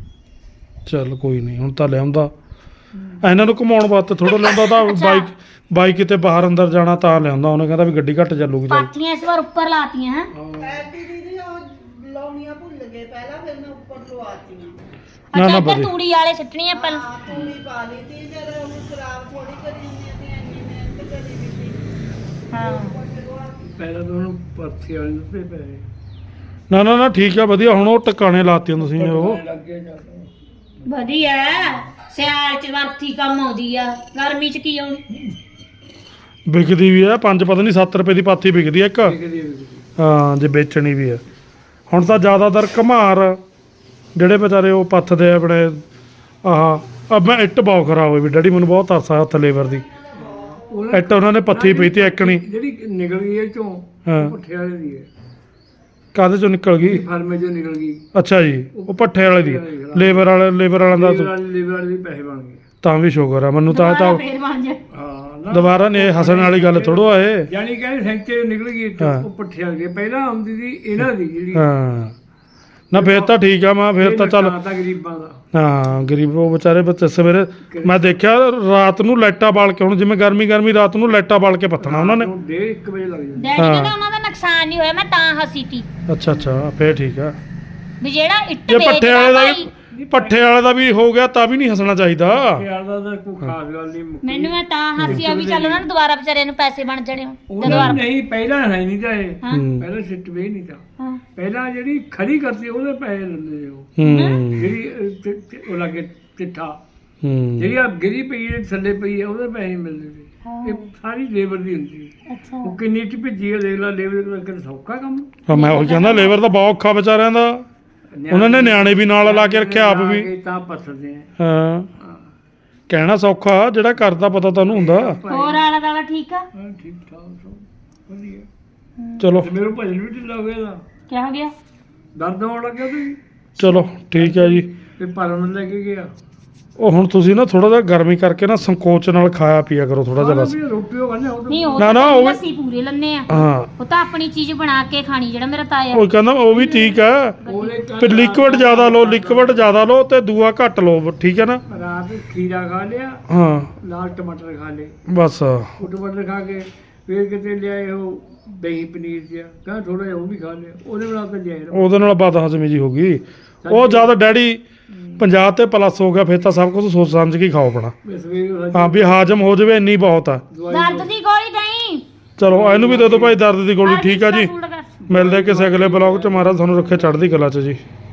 A: ਚੱਲ ਕੋਈ ਨਹੀਂ, ਹੁਣ ਤਾਂ ਲਿਆਉਂਦਾ ਇਹਨਾਂ ਨੂੰ ਘੁਮਾਉਣ ਵਾਸਤੇ ਥੋੜਾ ਲਿਆਉਂਦਾ ਤਾਂ ਬਾਈਕ ਬਾਈਕ ਕਿਤੇ ਬਾਹਰ ਅੰਦਰ ਜਾਣਾ ਤਾਂ ਲਿਆਉਂਦਾ। ਉਹਨੇ ਕਹਿੰਦਾ ਵੀ ਗੱਡੀ ਘੱਟ ਚੱਲੂਗੀ ਚੱਲ।
B: ਪਾਥੀਆਂ ਇਸ ਵਾਰ ਉੱਪਰ ਲਾਤੀਆਂ ਹੈ।
F: ਐਡੀ ਦੀਦੀ ਉਹ ਲਾਉਣੀਆਂ ਭੁੱਲ ਗਏ ਪਹਿਲਾਂ, ਫਿਰ ਮੈਂ ਉੱਪਰ ਲਵਾਤੀਆਂ।
A: ਨਾ
B: ਅੱਛਾ
A: ਨਾ
B: ਇੱਧਰ
A: ਵਧੀਆ
B: ਤੂੜੀ ਵਾਲੇ ਸਿੱਟਣੀਆਂ ਪਹਿਲਾਂ।
F: ਹਾਂ ਤੂੜੀ ਪਾ ਲਈ ਤੀ, ਜਦ ਉਹ ਖਰਾਬ ਥੋੜੀ ਕਰੀ ਹੁੰਦੀ ਸੀ, ਇੰਨੀ ਮਿਹਨਤ ਕਰੀ ਵੀ ਸੀ।
B: ਹਾਂ
E: ਪਹਿਲਾਂ ਤਾਂ ਉਹਨੂੰ ਪਰਥੀ ਵਾਲੇ ਨੂੰ ਤੇ ਪਏ
A: ਨਾ ਨਾ ਨਾ ਠੀਕ ਆ ਵਧੀਆ। ਹੁਣ ਉਹ ਟਿਕਾਣੇ ਲਾਤੀਆਂ ਤੁਸੀਂ ਉਹ
E: ਲੱਗ ਗਿਆ ਜਾਂਦਾ
B: ਵਧੀਆ ਸਿਆਲ ਚ ਵਰਤੀ ਕੰਮ ਆਉਂਦੀ ਆ, ਗਰਮੀ ਚ ਕੀ ਆਉਣੀ।
A: ਵਿਕਦੀ ਵੀ ਆ ਪੰਜ ਪਤਾ ਨਹੀਂ ਸੱਤ ਰੁਪਏ ਦੀ ਪਾਥੀ ਵਿਕਦੀ ਆ ਇੱਕ।
E: ਵਿਕਦੀ ਵਿਕਦੀ
A: ਹਾਂ ਜੇ ਵੇਚਣੀ ਵੀ ਆ। ਹੁਣ ਤਾਂ ਜ਼ਿਆਦਾਤਰ ਘਮਾਰ ਜਿਹੜੇ ਵਿਚਾਰੇ ਉਹ ਪੱਥਦੇ ਆ ਆਪਣੇ ਆਹ ਅਬ ਮੈਂ ਇੱਟ ਬਹੁਤ ਖਰਾਬ ਹੋਈ ਵੀ ਡੈਡੀ, ਮੈਨੂੰ ਬਹੁਤ ਤਰਸ ਆਇਆ ਹੱਥ ਲੇਬਰ ਦੀ।
E: ਉਹਨਾਂ
A: ਇੱਟ ਉਹਨਾਂ ਨੇ ਪੱਥੀ ਪਈ ਤੇ ਇੱਕਣੀ।
E: ਜਿਹੜੀ ਨਿਕਲ ਗਈ ਇਹ ਚੋਂ
A: ਹਾਂ
E: ਪੁੱਠੇ ਵਾਲੇ ਦੀ ਹੈ,
A: ਕਾਹਦੇ ਚੋਂ ਨਿਕਲ ਗਈ?
E: ਫਾਰਮੇ ਚੋਂ ਨਿਕਲ ਗਈ।
A: ਅੱਛਾ ਜੀ ਉਹ ਭੱਠੇ ਵਾਲੇ ਦੀ ਲੇਬਰ ਵਾਲੇ ਲੇਬਰ ਵਾਲਿਆਂ
E: ਲੀਵਰ
A: ਦਾ
E: ਵਾਲੇ ਲੀਵਰ ਵਾਲੇ ਦੇ ਪੈਸੇ ਬਣ ਗਏ।
A: ਤਾਂ ਵੀ ਸ਼ੁਕਰ ਆ ਮੈਨੂੰ ਤਾਂ ਤਾਂ
B: ਫੇਰ ਬਣ ਜਾ।
E: ਹਾਂ ਨਾ
A: ਦੁਬਾਰਾ ਨੇ ਹੱਸਣ ਵਾਲੀ ਗੱਲ ਥੋੜੋ ਆ ਇਹ।
E: ਯਾਨੀ ਕਿ ਸੈਂਚੇ ਨਿਕਲ ਗਈ ਇੱਕ,
A: ਹਾਂ।
E: ਉਹ ਪੁੱਠੇ ਵਾਲੇ ਦੀ ਪਹਿਲਾਂ ਆਉਂਦੀ ਸੀ ਇਹਨਾਂ ਦੀ ਜਿਹੜੀ
A: ਹਾਂ ਨਾ ਫੇਰ ਤਾਂ ਠੀਕ ਆ ਮੈਂ ਫੇਰ ਤਾਂ ਚੱਲ
E: ਨੁਕਸਾਨ ਤਾਂ ਗਰੀਬਾਂ ਦਾ
A: ਹਾਂ ਗਰੀਬ ਉਹ ਵਿਚਾਰੇ ਬੱਚੇ ਸਵੇਰੇ ਮੈਂ ਦੇਖਿਆ ਰਾਤ ਨੂੰ ਲਾਈਟਾਂ ਬਾਲ ਕੇ, ਹੁਣ ਜਿਵੇਂ ਗਰਮੀ ਗਰਮੀ ਰਾਤ ਨੂੰ ਲਾਈਟਾਂ ਬਾਲ ਕੇ ਪੱਥਣਾ ਉਹਨਾਂ ਨੇ।
E: ਨੂੰ ਡੇਢ ਇੱਕ ਵਜੇ ਲੱਗ ਜਾਂਦਾ।
B: ਡੈਡੀ ਕਹਿੰਦਾ ਉਹਨਾਂ ਦਾ ਨੁਕਸਾਨ ਨਹੀਂ ਹੋਇਆ, ਮੈਂ ਤਾਂ ਹੱਸੀ ਤੀ
A: ਅੱਛਾ ਅੱਛਾ ਫੇਰ ਠੀਕ ਆ।
B: ਵੀ ਜਿਹੜਾ ਇੱਟ
A: ਜੇ ਪੱਠੇ ਵਾਲੇ ਦਾ
B: ਵੇਚਦਾ
A: ਵੀ ਪੱਠੇ ਵਾਲੇ ਦਾ ਵੀ ਹੋ ਗਿਆ ਤਾਂ ਵੀ ਨਹੀਂ ਹੱਸਣਾ ਚਾਹੀਦਾ।
E: ਯਾਰ ਦਾ ਤਾਂ ਕੋਈ ਖਾਸ ਗੱਲ ਨਹੀਂ ਮੁੱਕੀ।
B: ਮੈਨੂੰ ਮੈਂ ਤਾਂ ਹੱਸੀ ਆ ਵੀ ਚੱਲ ਉਹਨਾਂ ਨੂੰ ਦੁਬਾਰਾ ਵਿਚਾਰਿਆਂ ਨੂੰ ਪੈਸੇ ਬਣ ਜਾਣੇ ਹੁਣ। ਤੇ
E: ਉਹਨਾਂ
B: ਦੁਬਾਰਾ
E: ਨੂੰ ਨਹੀਂ ਪਹਿਲਾਂ ਹੈ ਨਹੀਂ ਤਾਂ ਇਹ
B: ਹਾਂ
A: ਹੂੰ
E: ਪਹਿਲਾਂ ਸਿੱਟ ਵੇ ਨਹੀਂ ਤਾਂ
B: ਹਾਂ
E: ਪਹਿਲਾਂ ਜਿਹੜੀ ਖੜੀ ਕਰਦੀ ਉਹਦੇ ਪੈਸੇ ਲੈਂਦੇ ਸੀ ਉਹ,
A: ਹੂੰ
E: ਜਿਹੜੀ ਅਹ, ਚ- ਚ- ਉਹ ਲੱਗੇ ਚਿੱਠਾ
A: ਹੂੰ
E: ਜਿਹੜੀ ਆ ਗਿਰੀ ਪਈ ਹੈ ਥੱਲੇ ਪਈ ਹੈ ਉਹਦੇ ਪੈਸੇ ਮਿਲਦੇ ਸੀ। ਇਹ ਸਾਰੀ ਲੇਬਰ ਦੀ ਹੁੰਦੀ ਸੀ।
B: ਅੱਛਾ
E: ਉਹ ਕਿੰਨੀ ਚ ਭਿੱਜੀ ਹੈ ਦੇਖ ਲਾ ਲੇਬਰ ਦਾ ਕਿੰਨਾ ਸੌਖਾ ਕੰਮ।
A: ਹਾਂ, ਮੈਂ ਉਹ ਕਹਿੰਦਾ ਲੇਬਰ ਤਾਂ ਬਹੁਤ ਔਖਾ ਵਿਚਾਰਿਆਂ ਦਾ। ਉਹਨਾਂ ਨੇ ਨਿਆਣੇ ਵੀ ਨਾਲ ਲਾ ਕੇ ਰੱਖਿਆ ਆਪ ਵੀ।
E: ਲਾ ਕੇ ਤਾਂ ਪਸਦੇ ਆ।
A: ਹਾਂ ਕਹਿਣਾ ਸੌਖਾ, ਜਿਹੜਾ ਕਰਦਾ ਪਤਾ ਤੁਹਾਨੂੰ ਹੁੰਦਾ।
B: ਹੋਰ ਆਲਾ ਦਾਲਾ ਠੀਕ ਆ।
E: ਹਾਂ ਠੀਕ ਠਾਕ ਸਭ ਵਧੀਆ।
A: ਚਲੋ
E: ਤੇ ਮੇਰੇ ਭਜਨ ਵੀ ਢਿੱਲਾ ਹੋ ਗਿਆ ਇਹਦਾ,
B: ਕੀ ਹੋ ਗਿਆ?
E: ਦਰਦ ਹੋਣ ਲੱਗਿਆ ਤੇ
A: ਚਲੋ ਠੀਕ ਹੈ ਜੀ।
E: ਤੇ ਪਰਮ ਲੈ ਕੇ ਗਿਆ।
A: ਉਹ ਹੁਣ ਤੁਸੀਂ ਨਾ ਥੋੜਾ ਜਿਹਾ ਗਰਮੀ ਕਰਕੇ ਨਾ ਸੰਕੋਚ ਨਾਲ ਖਾਇਆ ਪੀਆ ਕਰੋ ਥੋੜਾ ਜਿਹਾ ਬਸ।
E: ਵੀ ਰੋਟੀ ਉਹ ਖਾਂਦੇ ਉਹ
B: ਨਹੀਂ ਉਹ
A: ਨਾ,
B: ਤਾਂ
A: ਨਾ, ਉਹ ਵੀ-
B: ਲੱਸੀ ਪੂਰੇ ਲੰਨੇ ਆ।
A: ਹਾਂ
B: ਉਹ ਤਾਂ ਆਪਣੀ ਚੀਜ਼ ਬਣਾ ਕੇ ਖਾਣੀ, ਜਿਹੜਾ ਮੇਰਾ ਤਾਇਆ।
A: ਉਹ ਕਹਿੰਦਾ ਉਹ ਵੀ ਠੀਕ ਹੈ,
E: ਉਹਦੇ ਘਰ
A: ਫਿਰ ਲਿਕਵਿਡ ਜ਼ਿਆਦਾ ਲਓ, ਲਿਕਵਿਡ ਜ਼ਿਆਦਾ ਲਓ ਤੇ ਦੂਆ ਘੱਟ ਲਓ, ਠੀਕ ਹੈ ਨਾ।
E: ਰਾਤ ਖੀਰਾ ਖਾ ਲਿਆ,
A: ਹਾਂ
E: ਲਾਲ ਟਮਾਟਰ ਖਾ ਲਏ।
A: ਬਸ
E: ਉਹ ਟਮਾਟਰ ਖਾ ਕੇ ਫਿਰ ਕਿਤੇ ਲਿਆਏ ਉਹ ਦਹੀਂ ਪਨੀਰ ਜਿਹਾ, ਕਹਿੰਦਾ ਥੋੜਾ ਜਿਹਾ ਉਹ ਵੀ ਖਾ ਲਿਆ। ਉਹਦੇ ਨਾਲ ਤਾਂ ਜਾਇਰ
A: ਉਹਦੇ ਨਾਲ ਬਦ ਹਜ਼ਮੀ ਜੀ ਹੋ ਗਈ। ਉਹ ਜ਼ਿਆਦਾ ਡੈਡੀ ਪੰਜਾਹ ਤੇ ਪਲੱਸ ਹੋ ਗਿਆ, ਫਿਰ ਤਾਂ ਸਭ ਕੁਝ ਸੋਚ ਸਮਝ ਕੇ ਹੀ ਖਾਓ ਆਪਣਾ।
E: ਸਵੇਰ
A: ਹਾਂ ਵੀ ਹਾਜ਼ਮ ਹੋ ਜਾਵੇ ਇੰਨੀ ਬਹੁਤ ਆ।
B: ਦਰਦ ਦੀ ਗੋਲੀ ਦਈ।
A: ਚਲੋ ਇਹਨੂੰ ਵੀ ਦੇ ਦਿਓ ਭਾਈ ਦਰਦ ਦੀ ਗੋਲੀ। ਠੀਕ ਆ ਜੀ, ਮਿਲਦੇ ਕਿਸੇ ਅਗਲੇ ਬਲੌਗ 'ਚ। ਮਹਾਰਾਜ ਤੁਹਾਨੂੰ ਰੱਖੇ ਚੜ੍ਹਦੀ ਕਲਾ 'ਚ ਜੀ।